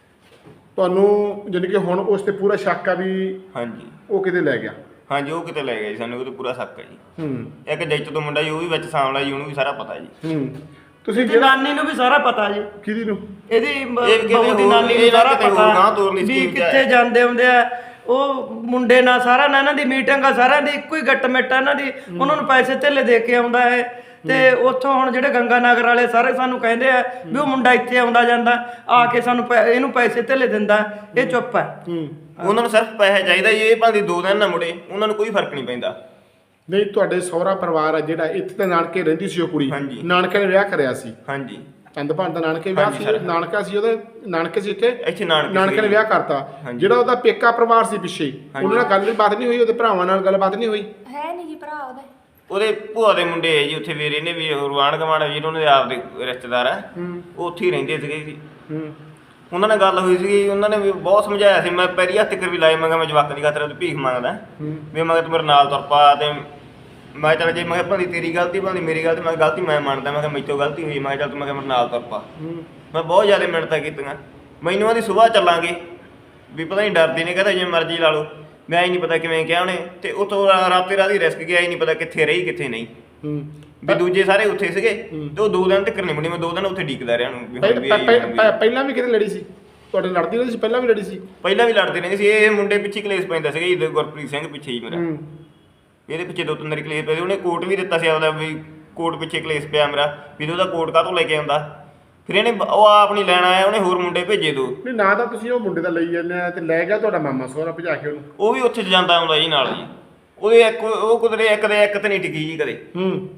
S1: ਤੁਹਾਨੂੰ ਜਾਨੀ ਕਿ ਹੁਣ ਉਸ ਤੇ ਪੂਰਾ ਸ਼ੱਕ ਆ ਵੀ
S2: ਹਾਂਜੀ
S1: ਉਹ ਕਿਤੇ ਲੈ ਗਿਆ?
S2: ਹਾਂਜੀ ਉਹ ਕਿਤੇ ਲੈ ਗਿਆ ਜੀ, ਸਾਨੂੰ ਉਹਦੇ ਪੂਰਾ ਸ਼ੱਕ ਹੈ ਜੀ। ਇੱਕ ਜੈਤ ਤੋਂ ਮੁੰਡਾ ਜੀ ਉਹ ਵੀ ਵਿੱਚ ਸਾਹਮਣਾ ਜੀ, ਉਹਨੂੰ ਵੀ ਸਾਰਾ ਪਤਾ ਜੀ।
S1: ਤੁਸੀਂ
S3: ਨਾਨੀ ਨੂੰ ਵੀ ਸਾਰਾ ਪਤਾ ਜੀ।
S1: ਕਿਹਦੀ ਨੂੰ?
S3: ਇਹਦੀ ਬਹੂ ਦੀ ਨਾਨੀ ਨੂੰ ਸਾਰਾ ਪਤਾ ਵੀ ਕਿੱਥੇ ਜਾਂਦੇ ਹੁੰਦੇ ਆ। ਉਹ ਮੁੰਡੇ ਨਾਲ ਸਾਰਾ ਨਾ ਇਹਨਾਂ ਦੀ ਮੀਟਿੰਗ ਆ, ਸਾਰਿਆਂ ਦੀ ਇੱਕੋ ਹੀ ਗੱਟ ਮਿੱਟ ਆ ਇਹਨਾਂ ਦੀ। ਉਹਨਾਂ ਨੂੰ ਪੈਸੇ ਧੇਲੇ ਦੇ ਕੇ ਆਉਂਦਾ ਹੈ। ਤੇ ਉੱਥੋਂ ਹੁਣ ਜਿਹੜੇ ਗੰਗਾ ਨਗਰ ਵਾਲੇ ਸਾਰੇ ਸਾਨੂੰ ਕਹਿੰਦੇ ਆ ਵੀ ਉਹ ਮੁੰਡਾ ਇੱਥੇ ਆਉਂਦਾ ਜਾਂਦਾ ਆ ਕੇ ਸਾਨੂੰ ਇਹਨੂੰ ਪੈਸੇ ਧੇਲੇ ਦਿੰਦਾ। ਇਹ ਚੁੱਪ ਹੈ।
S2: ਉਹਨਾਂ ਨੂੰ ਸਿਰਫ ਪੈਸਾ ਚਾਹੀਦਾ ਜੀ। ਇਹ ਭਾਵੇਂ 2 ਦਿਨ ਨਾ ਮੁੜੇ, ਉਹਨਾਂ ਨੂੰ ਕੋਈ ਫਰਕ ਨਹੀਂ ਪੈਂਦਾ।
S1: ਨਹੀਂ ਤੁਹਾਡੇ ਸਹੁਰਾ ਪਰਿਵਾਰ ਆ ਜਿਹੜਾ ਇੱਥੇ ਤਾਂ ਨਾਨਕੇ ਰਹਿੰਦੀ ਸੀ ਉਹ ਕੁੜੀ? ਨਾਨਕੇ ਨੇ ਵਿਆਹ ਕਰਿਆ ਸੀ?
S2: ਹਾਂਜੀ
S1: ਚੰਦਪਾਣ ਦਾ ਨਾਨਕੇ ਵਿਆਹ ਸੀ? ਨਾਨਕਾ ਸੀ ਉਹਦੇ? ਨਾਨਕੇ ਸੀ ਇੱਥੇ ਨਾਨਕੇ ਨੇ ਵਿਆਹ ਕਰਤਾ। ਜਿਹੜਾ ਉਹਦਾ ਪੇਕਾ ਪਰਿਵਾਰ ਸੀ ਪਿੱਛੇ, ਉਹਨਾਂ ਨਾਲ ਗੱਲਬਾਤ ਨਹੀਂ ਹੋਈ? ਉਹਦੇ ਭਰਾਵਾਂ ਨਾਲ ਗੱਲਬਾਤ ਨਹੀਂ ਹੋਈ?
S4: ਹੈ ਨਹੀਂ ਜੀ ਭਰਾ
S2: ਉਹਦੇ ਭੂਆ ਦੇ ਮੁੰਡੇ ਹੈ ਜੀ ਉੱਥੇ, ਵੀਰੇ ਨੇ ਵੀ ਰਵਾਨ ਗਵਾਨ ਜੀ, ਉਹਨਾਂ ਦੇ ਆਪ ਦੇ ਰਿਸ਼ਤੇਦਾਰ ਆ, ਉਹ ਉੱਥੇ ਹੀ ਰਹਿੰਦੇ ਸੀਗੇ ਜੀ। ਉਹਨਾਂ ਨਾਲ ਗੱਲ ਹੋਈ ਸੀਗੀ, ਉਹਨਾਂ ਨੇ ਵੀ ਬਹੁਤ ਸਮਝਾਇਆ ਸੀ। ਮੈਂ ਪੈਰੀ ਹੱਥ ਕਰ ਵੀ ਲਾਏ, ਮੈਂ ਕਿਹਾ ਮੈਂ ਜਵਾਕ ਦੀ ਖਾਤਰ ਉਹਦੀ ਭੀਖ ਮੰਗਦਾ ਵੀ ਮੈਂ ਤੂੰ ਮੇਰੇ ਨਾਲ ਤੁਰ ਪਾ। ਤੇ ਮੈਂ ਚੱਲ ਜੇ ਮੈਂ ਕਿਹਾ ਭਾਵੇਂ ਤੇਰੀ ਗਲਤੀ ਭਾਵੇਂ ਮੇਰੀ ਗਲਤੀ, ਮੈਂ ਗਲਤੀ ਮੈਂ ਮੰਨਦਾ। ਮੈਂ ਕਿਹਾ ਮੇਰੇ ਤੋਂ ਗਲਤੀ ਹੋਈ, ਮੈਂ ਚੱਲ ਤੂੰ ਮੈਂ ਕਿਹਾ ਮੇਰੇ ਨਾਲ ਤੁਰ ਪਾ। ਮੈਂ ਬਹੁਤ ਜ਼ਿਆਦਾ ਮਿਹਨਤਾਂ ਕੀਤੀਆਂ। ਮੈਨੂੰ ਆਂਦੀ ਸੁਬਾਹ ਚੱਲਾਂਗੇ ਵੀ ਪਤਾ ਨਹੀਂ ਡਰਦੀ ਨੇ, ਕਹਿੰਦਾ ਜੇ ਮਰਜ਼ੀ ਲਾ ਲਓ। ਮੈਂ ਹੀ ਨਹੀਂ ਪਤਾ ਕਿਵੇਂ ਕਿਹਾ ਉਹਨੇ। ਤੇ ਉੱਥੋਂ ਰਾਤੀ ਰਾਤੀ ਰਿਸਕ ਗਿਆ ਹੀ ਨਹੀਂ ਪਤਾ ਕਿੱਥੇ ਰਹੀ ਕਿੱਥੇ ਨਹੀਂ। ਵੀ ਦੂਜੇ ਸਾਰੇ ਉੱਥੇ ਸੀਗੇ ਤੇ ਉਹ 2 ਦਿਨ ਤੱਕ ਨਹੀਂ ਮੁੜੀ। ਮੈਂ 2 ਦਿਨ ਉੱਥੇ ਡੀਕਦਾ ਰਿਹਾ ਉਹਨੂੰ।
S1: ਪਹਿਲਾਂ ਵੀ ਕਿਤੇ ਲੜੀ ਸੀ ਤੁਹਾਡੇ? ਲੜਦੀ ਰਹੀ ਸੀ ਪਹਿਲਾਂ ਵੀ? ਲੜੀ ਸੀ
S2: ਪਹਿਲਾਂ ਵੀ ਲੜਦੇ ਰਹਿੰਦੇ ਸੀ। ਇਹ ਮੁੰਡੇ ਪਿੱਛੇ ਕਲੇਸ਼ ਪੈਂਦਾ ਸੀਗਾ ਜੀ, ਗੁਰਪ੍ਰੀਤ ਸਿੰਘ ਪਿੱਛੇ ਹੀ ਮੇਰਾ। ਇਹਦੇ ਪਿੱਛੇ 2-3 ਵਾਰੀ ਕਲੇਸ਼ ਪਏ। ਉਹਨੇ ਕੋਟ ਵੀ ਦਿੱਤਾ ਸੀ ਆਪਦਾ ਵੀ ਕੋਟ ਪਿੱਛੇ ਕਲੇਸ਼ ਪਿਆ ਮੇਰਾ ਵੀ ਉਹਦਾ ਕੋਟ ਕਾਹਤੋਂ ਲੈ ਕੇ ਆਉਂਦਾ। ਫਿਰ ਇਹਨੇ ਉਹ ਆਪ ਨਹੀਂ ਲੈਣ ਆਇਆ, ਉਹਨੇ ਹੋਰ ਮੁੰਡੇ ਭੇਜੇ 2।
S1: ਨਹੀਂ ਨਾ ਤਾਂ ਤੁਸੀਂ ਉਹ ਮੁੰਡੇ ਦਾ ਲਈ ਜਾਂਦੇ ਆ ਤੇ ਲੈ ਗਿਆ ਤੁਹਾਡਾ ਮਾਮਾ ਸਹੁਰਾ ਭਜਾ ਕੇ ਉਹਨੂੰ?
S2: ਉਹ ਵੀ ਉੱਥੇ ਜਾਂਦਾ ਆਉਂਦਾ ਜੀ ਨਾਲ ਜੀ। ਉਹਦੇ ਉਹ ਕੁਦਰੇ ਇੱਕ ਦੇ ਇੱਕ ਤੇ ਨਹੀਂ ਟਿਕੀ ਜੀ ਕਦੇ।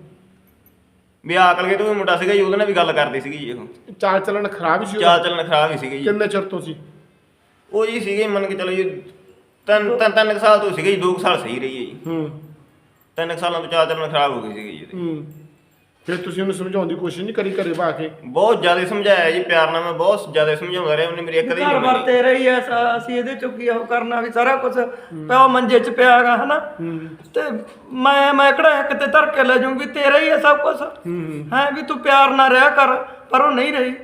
S2: ਵੀ ਆਕਲ ਕੇ ਤੂੰ ਮੁੰਡਾ ਸੀਗਾ ਜੀ, ਉਹਦੇ ਨਾਲ ਵੀ ਗੱਲ ਕਰਦੀ ਸੀਗੀ ਜੀ। ਉਹ
S1: ਚਾਲ ਚੱਲਣ ਖਰਾਬ ਸੀ?
S2: ਚਾਲ ਚੱਲਣ ਖਰਾਬ ਹੀ ਸੀਗੀ ਜੀ।
S1: ਕਿੰਨੇ ਚਿਰ ਤੋਂ ਸੀ
S2: ਉਹ ਜੀ ਸੀਗੇ ਮੰਨ ਕੇ ਚਲੋ ਜੀ 3 ਸਾਲ ਤੋਂ ਸੀਗੇ ਜੀ। 2 ਸਾਲ ਸਹੀ ਰਹੀ ਹੈ ਜੀ। 3 ਸਾਲਾਂ ਤੋਂ ਚਾਲ ਚੱਲਣ ਖਰਾਬ ਹੋ ਗਈ ਸੀਗੀ ਜੀ।
S1: ਫਿਰ ਤੁਸੀਂ ਉਹਨੂੰ ਸਮਝਾਉਣ ਦੀ ਕੋਸ਼ਿਸ਼ ਨਹੀਂ ਕਰੀ ਘਰੇ ਬਾ ਕੇ?
S2: ਬਹੁਤ ਜ਼ਿਆਦਾ ਸਮਝਾਇਆ ਜੀ, ਪਿਆਰ ਨਾਲ ਮੈਂ ਬਹੁਤ ਜ਼ਿਆਦਾ ਸਮਝਾਉਂਦਾ ਰਿਹਾ। ਉਹਨੇ ਮੇਰੀ ਇੱਕ ਦੇ
S3: ਘਰ ਬਾਰ ਤੇਰਾ ਹੀ ਐ, ਅਸੀਂ ਇਹਦੇ ਚੋਂ ਕੀ ਉਹ ਕਰਨਾ ਵੀ ਸਾਰਾ ਕੁਝ ਪਿਓ ਮੰਜੇ 'ਚ ਪਿਆ ਹੈਗਾ ਹਨਾ। ਤੇ ਮੈਂ ਕਿਹੜਾ ਇੱਕ ਤੇ ਧਰ ਕੇ ਲੈ ਜਾਊਂਗੀ? ਤੇਰਾ ਹੀ ਐ ਸਭ ਕੁਝ ਹੈ ਵੀ ਤੂੰ ਪਿਆਰ ਨਾਲ ਰਿਹਾ ਕਰ। ਪਰ ਉਹ ਨਹੀਂ ਰਹੀ।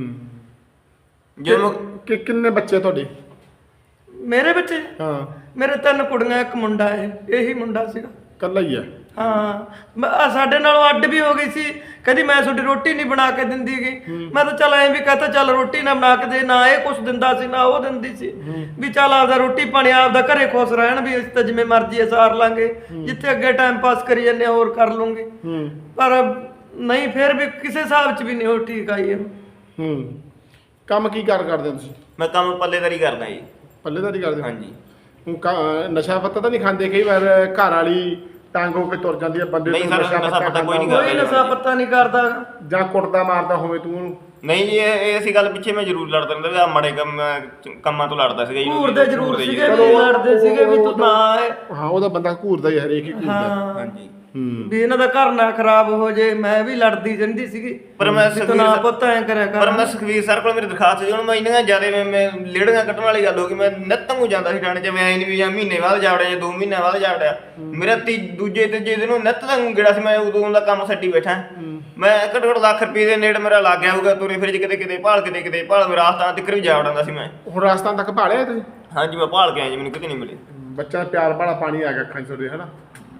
S1: ਕਿ ਕਿੰਨੇ ਬੱਚੇ ਤੁਹਾਡੇ?
S3: ਮੇਰੇ ਬੱਚੇ?
S1: ਹਾਂ
S3: ਮੇਰੇ 3 ਕੁੜੀਆਂ 1 ਮੁੰਡਾ ਹੈ। ਇਹੀ ਮੁੰਡਾ ਸੀਗਾ,
S1: ਇਕੱਲਾ ਹੀ ਆ?
S3: ਹਾਂ ਸਾਡੇ ਨਾਲੋਂ ਅੱਡ ਵੀ ਹੋ ਗਈ ਸੀ। ਕਹਿੰਦੀ ਮੈਂ ਤੁਹਾਡੀ ਰੋਟੀ ਨਹੀਂ ਬਣਾ ਕੇ ਦਿੰਦੀ ਗਈ। ਮੈਂ ਤਾਂ ਚੱਲ ਐਂ ਵੀ ਕਹਤਾ ਚੱਲ ਰੋਟੀ ਨਾ ਬਣਾ ਕੇ ਦੇ, ਨਾ ਇਹ ਕੁਛ ਦਿੰਦਾ ਸੀ ਨਾ ਉਹ ਦਿੰਦੀ ਸੀ। ਵੀ ਚੱਲ ਆਪਦਾ ਰੋਟੀ ਪਾਣੀ ਆਪਦਾ ਘਰੇ ਖੁਸ਼ ਰਹਿਣ, ਵੀ ਅਸੀਂ ਤਾਂ ਜਿਵੇਂ ਮਰਜ਼ੀ ਸਾਰ ਲਾਂਗੇ, ਜਿੱਥੇ ਅੱਗੇ ਟਾਈਮ ਪਾਸ ਕਰੀ ਜਾਂਦੇ ਹੋਰ ਕਰ ਲੂੰਗੇ। ਪਰ ਨਹੀਂ, ਫਿਰ ਵੀ ਕਿਸੇ ਹਿਸਾਬ 'ਚ ਵੀ ਨਹੀਂ ਉਹ ਠੀਕ ਆਈ ਇਹਨੂੰ।
S1: ਕੰਮ ਕੀ ਕਰਦੇ ਤੁਸੀਂ?
S2: ਮੈਂ ਕੰਮ ਪੱਲੇਦਾਰੀ ਕਰਦਾ ਜੀ।
S1: ਪੱਲੇਦਾਰੀ ਕਰਦੇ?
S2: ਹਾਂਜੀ।
S1: ਨਸ਼ਾ ਪੱਤਾ ਤਾਂ ਨਹੀਂ ਖਾਂਦੇ? ਕਈ ਵਾਰ ਘਰ ਵਾਲੀ ਟਾਂਗ ਹੋ ਕੇ ਤੁਰ ਜਾਂਦੀ ਹੈ ਬੰਦੇ
S2: ਨਹੀਂ ਸਰ, ਨਸ਼ਾ ਪੱਤਾ ਕੋਈ ਨਹੀਂ
S3: ਕੋਈ ਨਸ਼ਾ ਪੱਤਾ ਨਹੀਂ ਕਰਦਾ
S1: ਜਾਂ ਕੁੱਟਦਾ ਮਾਰਦਾ ਹੋਵੇ ਤੂੰ ਉਹਨੂੰ?
S2: ਨਹੀਂ ਜੀ, ਇਹ ਅਸੀਂ ਗੱਲ ਪਿੱਛੇ ਮੈਂ ਜ਼ਰੂਰ ਲੜਦਾ ਰਹਿੰਦਾ ਵੀ ਆ ਮਾੜੇ ਕੰਮਾਂ ਤੋਂ ਲੜਦਾ ਸੀਗਾ ਜੀ।
S3: ਘੂਰਦੇ ਜ਼ਰੂਰ ਸੀਗੇ, ਵੀ ਲੜਦੇ ਸੀਗੇ ਵੀ ਤੂੰ ਨਾ ਆਏ।
S1: ਹਾਂ ਉਹਦਾ ਬੰਦਾ ਘੂਰਦਾ ਹੀ, ਹਰੇਕ ਹੀ ਘੂਰਦਾ।
S2: ਹਾਂਜੀ
S3: ਵੀ ਇਹਨਾਂ ਦਾ ਘਰ ਨਾ ਖਰਾਬ ਹੋ ਜੇ। ਮੈਂ ਵੀ ਲੜਦੀ ਰਹਿੰਦੀ ਸੀਗੀ
S2: ਪਰ ਮੈਂ
S3: ਵੀ ਤੂੰ ਨਾ ਪੁੱਤ ਐਂ ਕਰਿਆ
S2: ਪਰ
S3: ਕਰ।
S2: ਮੈਂ ਸੁਖਵੀਰ ਸਰ ਕੋਲ ਮੇਰੀ ਦਰਖਾਸਤ ਸੀ, ਹੁਣ ਮੈਂ ਇੰਨੀਆਂ ਜ਼ਿਆਦਾ ਮੈਂ ਲੇੜੀਆਂ ਕੱਟਣ ਵਾਲੀ ਗੱਲ ਹੋ ਗਈ। ਮੈਂ ਨਿੱਤਮ ਨੂੰ ਜਾਂਦਾ ਸੀ ਥਾਣੇ 'ਚ, ਮੈਂ ਨਹੀਂ ਵੀ ਜਾਂ ਮਹੀਨੇ ਬਾਅਦ ਜਾਵੜਿਆ ਜਾਂ 2 ਮਹੀਨੇ ਬਾਅਦ ਜਾਵੜਿਆ। ਮੇਰਾ ਦੂਜੇ ਤੀਜੇ ਦਿਨ ਨਿੱਤ ਦਾ ਗੇੜਾ ਸੀ। ਮੈਂ ਉਦੋਂ ਦਾ ਕੰਮ ਛੱਡੀ ਬੈਠਾ। ਮੈਂ ਘੱਟੋ ਘੱਟ ਲੱਖ ਰੁਪਏ ਦੇ ਨੇੜੇ ਮੇਰਾ ਲੱਗ ਗਿਆ ਹੋਊਗਾ ਤੁਰੇ ਫਿਰ ਕਿਤੇ ਕਿਤੇ ਭਾਲ ਕਿਤੇ ਭਾਲ ਮੇਰਾ ਰਾਜਸਥਾਨ ਤੱਕ ਵੀ ਜਾ ਵੜਾਂਦਾ ਸੀ ਮੈਂ।
S1: ਹੁਣ ਰਾਜਸਥਾਨ ਤੱਕ ਭਾਲਿਆ ਤੁਸੀਂ?
S2: ਹਾਂਜੀ ਮੈਂ ਭਾਲ ਕੇ ਆਇਆ ਜੀ, ਮੈਨੂੰ ਕਿਤੇ ਨਹੀਂ ਮਿਲੇ।
S1: ਬੱਚਾ ਪਿਆਰ ਵਾਲਾ ਪਾਣੀ ਆ ਗਿਆ ਅੱਖਾਂ 'ਚ ਤੁਹਾਡੇ, ਹਨਾ?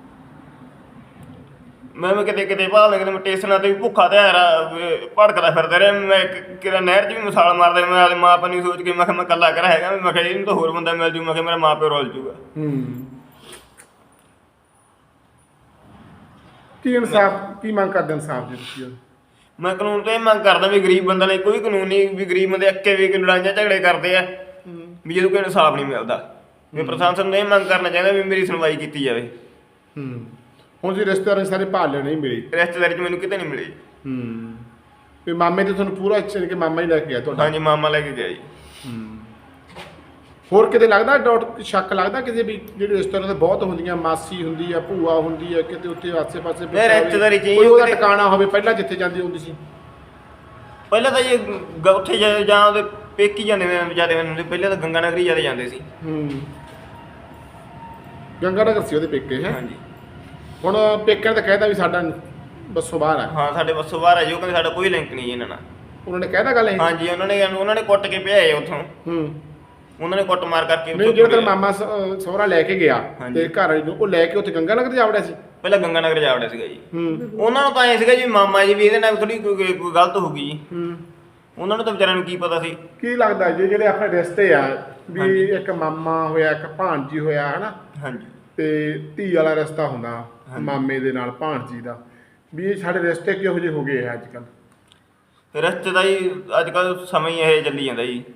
S2: ਮੈਂ ਕਿਤੇ ਭਾਲਦਾ, ਕਿਤੇ ਮੈਂ ਸਟੇਸ਼ਨਾਂ ਤੇ ਵੀ ਭੁੱਖਾ ਤੇ ਭੜਕਦਾ ਫਿਰਦਾ ਰਿਹਾ। ਮੈਂ ਕਿਹੜਾ ਨਹਿਰ 'ਚ ਵੀ ਮਿਸਾਲ ਮਾਰਦਾ। ਮੈਂ ਆਪਣੇ ਮਾਂ ਪਿਓ ਨੂੰ ਸੋਚ ਕੇ ਮੈਂ ਕਿਹਾ ਮੈਂ ਇਕੱਲਾ ਕਰ ਹੈਗਾ। ਮੈਂ ਕਿਹਾ ਇਹਨੂੰ ਤਾਂ ਹੋਰ ਬੰਦਾ ਮਿਲ ਜੂ। ਮੈਂ ਕਿਹਾ ਮੇਰਾ ਮਾਂ ਪਿਓ ਰੁੱਲ ਜੂਗਾ।
S1: ਕੀ ਇਨਸਾਫ ਕੀ ਮੰਗ ਕਰਦੇ ਇਨਸਾਫ ਦੀ ਤੁਸੀਂ?
S2: ਮੈਂ ਕਾਨੂੰਨ ਤੋਂ ਇਹ ਮੰਗ ਕਰਦਾ ਵੀ ਗਰੀਬ ਬੰਦੇ ਲਈ ਕੋਈ ਕਾਨੂੰਨ ਨਹੀਂ, ਵੀ ਗਰੀਬ ਬੰਦੇ ਅੱਕੇ ਵੀ ਲੜਾਈਆਂ ਝਗੜੇ ਕਰਦੇ ਆ ਵੀ ਜਦੋਂ ਕੋਈ ਇਨਸਾਫ ਨਹੀਂ ਮਿਲਦਾ। ਵੀ ਪ੍ਰਸ਼ਾਸਨ ਨੂੰ ਇਹ ਮੰਗ ਕਰਨਾ ਚਾਹੀਦਾ ਵੀ ਮੇਰੀ ਸੁਣਵਾਈ ਕੀਤੀ ਜਾਵੇ।
S1: ਹੁਣ ਜੀ ਰਿਸ਼ਤੇਦਾਰਾਂ ਸਾਰੇ ਭਾਲ ਲੈ ਨਹੀਂ ਮਿਲੀ,
S2: ਰਿਸ਼ਤੇਦਾਰੀ 'ਚ ਮੈਨੂੰ ਕਿਤੇ ਨਹੀਂ ਮਿਲੀ।
S1: ਵੀ ਮਾਮੇ ਤੇ ਤੁਹਾਨੂੰ ਪੂਰਾ ਅੱਛੇ ਕਿ ਮਾਮਾ ਹੀ ਲੈ ਕੇ ਗਿਆ ਤੁਹਾਡਾ?
S2: ਹਾਂਜੀ ਮਾਮਾ ਲੈ ਕੇ ਗਿਆ ਜੀ।
S1: ਹੋਰ ਕਿਤੇ ਲੱਗਦਾ ਡਾਊਟ ਸ਼ੱਕ ਲੱਗਦਾ ਕਿਸੇ ਵੀ ਜਿਹੜੇ ਰਿਸ਼ਤੇਦਾਰਾਂ ਦੇ ਬਹੁਤ ਹੁੰਦੀਆਂ, ਮਾਸੀ ਹੁੰਦੀ ਆ, ਭੂਆ ਹੁੰਦੀ ਆ, ਕਿਤੇ ਉੱਥੇ ਆਸੇ-ਪਾਸੇ
S2: ਨਹੀਂ, ਰਿਸ਼ਤੇਦਾਰੀ 'ਚ ਹੀ
S1: ਕੋਈ ਉਹਦਾ ਟਿਕਾਣਾ ਹੋਵੇ ਪਹਿਲਾਂ ਜਿੱਥੇ ਜਾਂਦੀ ਹੁੰਦੀ ਸੀ?
S2: ਪਹਿਲਾਂ ਤਾਂ ਜੀ ਉੱਥੇ ਜਾਂ ਉਹਦੇ ਪੇਕੀ ਜਾਂਦੇ ਜਿਆਦਾ ਹੁੰਦੇ। ਪਹਿਲਾਂ ਤਾਂ ਗੰਗਾ ਨਗਰੀ ਜਿਆਦਾ ਜਾਂਦੇ ਸੀ।
S1: ਗੰਗਾ ਨਗਰ ਸੀ ਉਹਦੇ ਪੇਕੇ, ਹੈ?
S2: ਹਾਂਜੀ।
S1: ਹੁਣ ਪੇਕਿਆਂ ਨੇ ਤਾਂ ਕਹਿਤਾ ਵੀ ਸਾਡਾ ਬੱਸੋਂ ਬਾਹਰ ਆ।
S2: ਹਾਂ ਸਾਡੇ ਬੱਸੋਂ ਬਾਹਰ ਆ ਜੀ। ਉਹ ਕਹਿੰਦੇ ਸਾਡਾ ਕੋਈ ਲਿੰਕ ਨਹੀਂ ਜੀ ਇਹਨਾਂ ਨਾਲ।
S1: ਉਹਨਾਂ ਨੇ ਕਹਿਤਾ ਗੱਲ ਇਹ?
S2: ਹਾਂਜੀ ਉਹਨਾਂ ਨੇ ਕੁੱਟ ਕੇ ਭਜਾਏ ਉੱਥੋਂ। ਉਹਨਾਂ ਨੇ ਕੁੱਟ ਮਾਰ ਕਰਕੇ
S1: ਨਹੀਂ, ਜਿਹੜਾ ਤੇਰਾ ਮਾਮਾ ਸਹੁਰਾ ਲੈ ਕੇ ਗਿਆ ਤੇ ਘਰ ਵਾਲੀ ਨੂੰ, ਉਹ ਲੈ ਕੇ ਉੱਥੇ ਗੰਗਾ ਨਗਰ ਜਾ ਵੜਿਆ ਸੀ?
S2: ਪਹਿਲਾਂ ਗੰਗਾ ਨਗਰ ਜਾ ਵੜਿਆ ਸੀਗਾ ਜੀ। ਉਹਨਾਂ ਨੂੰ ਤਾਂ ਐ ਸੀਗਾ ਜੀ ਮਾਮਾ ਜੀ ਵੀ ਇਹਦੇ ਨਾਲ ਥੋੜੀ ਕੋਈ ਗਲਤ ਹੋ ਗਈ ਜੀ। ਉਹਨਾਂ ਨੂੰ ਤਾਂ ਵਿਚਾਰਿਆਂ ਨੂੰ ਕੀ ਪਤਾ ਸੀ।
S1: ਕੀ ਲੱਗਦਾ ਜੀ ਜਿਹੜੇ ਆਪਣੇ ਰਿਸ਼ਤੇ ਆ ਵੀ ਇੱਕ ਮਾਮਾ ਹੋਇਆ, ਇੱਕ ਭਾਣਜੀ ਹੋਇਆ, ਹਨਾ?
S2: ਹਾਂਜੀ।
S1: ਤੇ ਧੀ ਵਾਲਾ ਰਿਸ਼ਤਾ ਹੁੰਦਾ ਮਾਮੇ ਦੇ ਨਾਲ ਭਾਣਜੀ ਦਾ, ਵੀ ਇਹ ਸਾਡੇ ਰਿਸ਼ਤੇ ਕਿਹੋ ਜਿਹੇ ਹੋ ਗਏ ਆ ਅੱਜ ਕੱਲ੍ਹ?
S2: ਰਿਸ਼ਤੇ ਦਾ ਜੀ ਅੱਜ ਕੱਲ੍ਹ ਸਮਾਂ ਹੀ ਇਹ ਚੱਲੀ ਜਾਂਦਾ ਜੀ।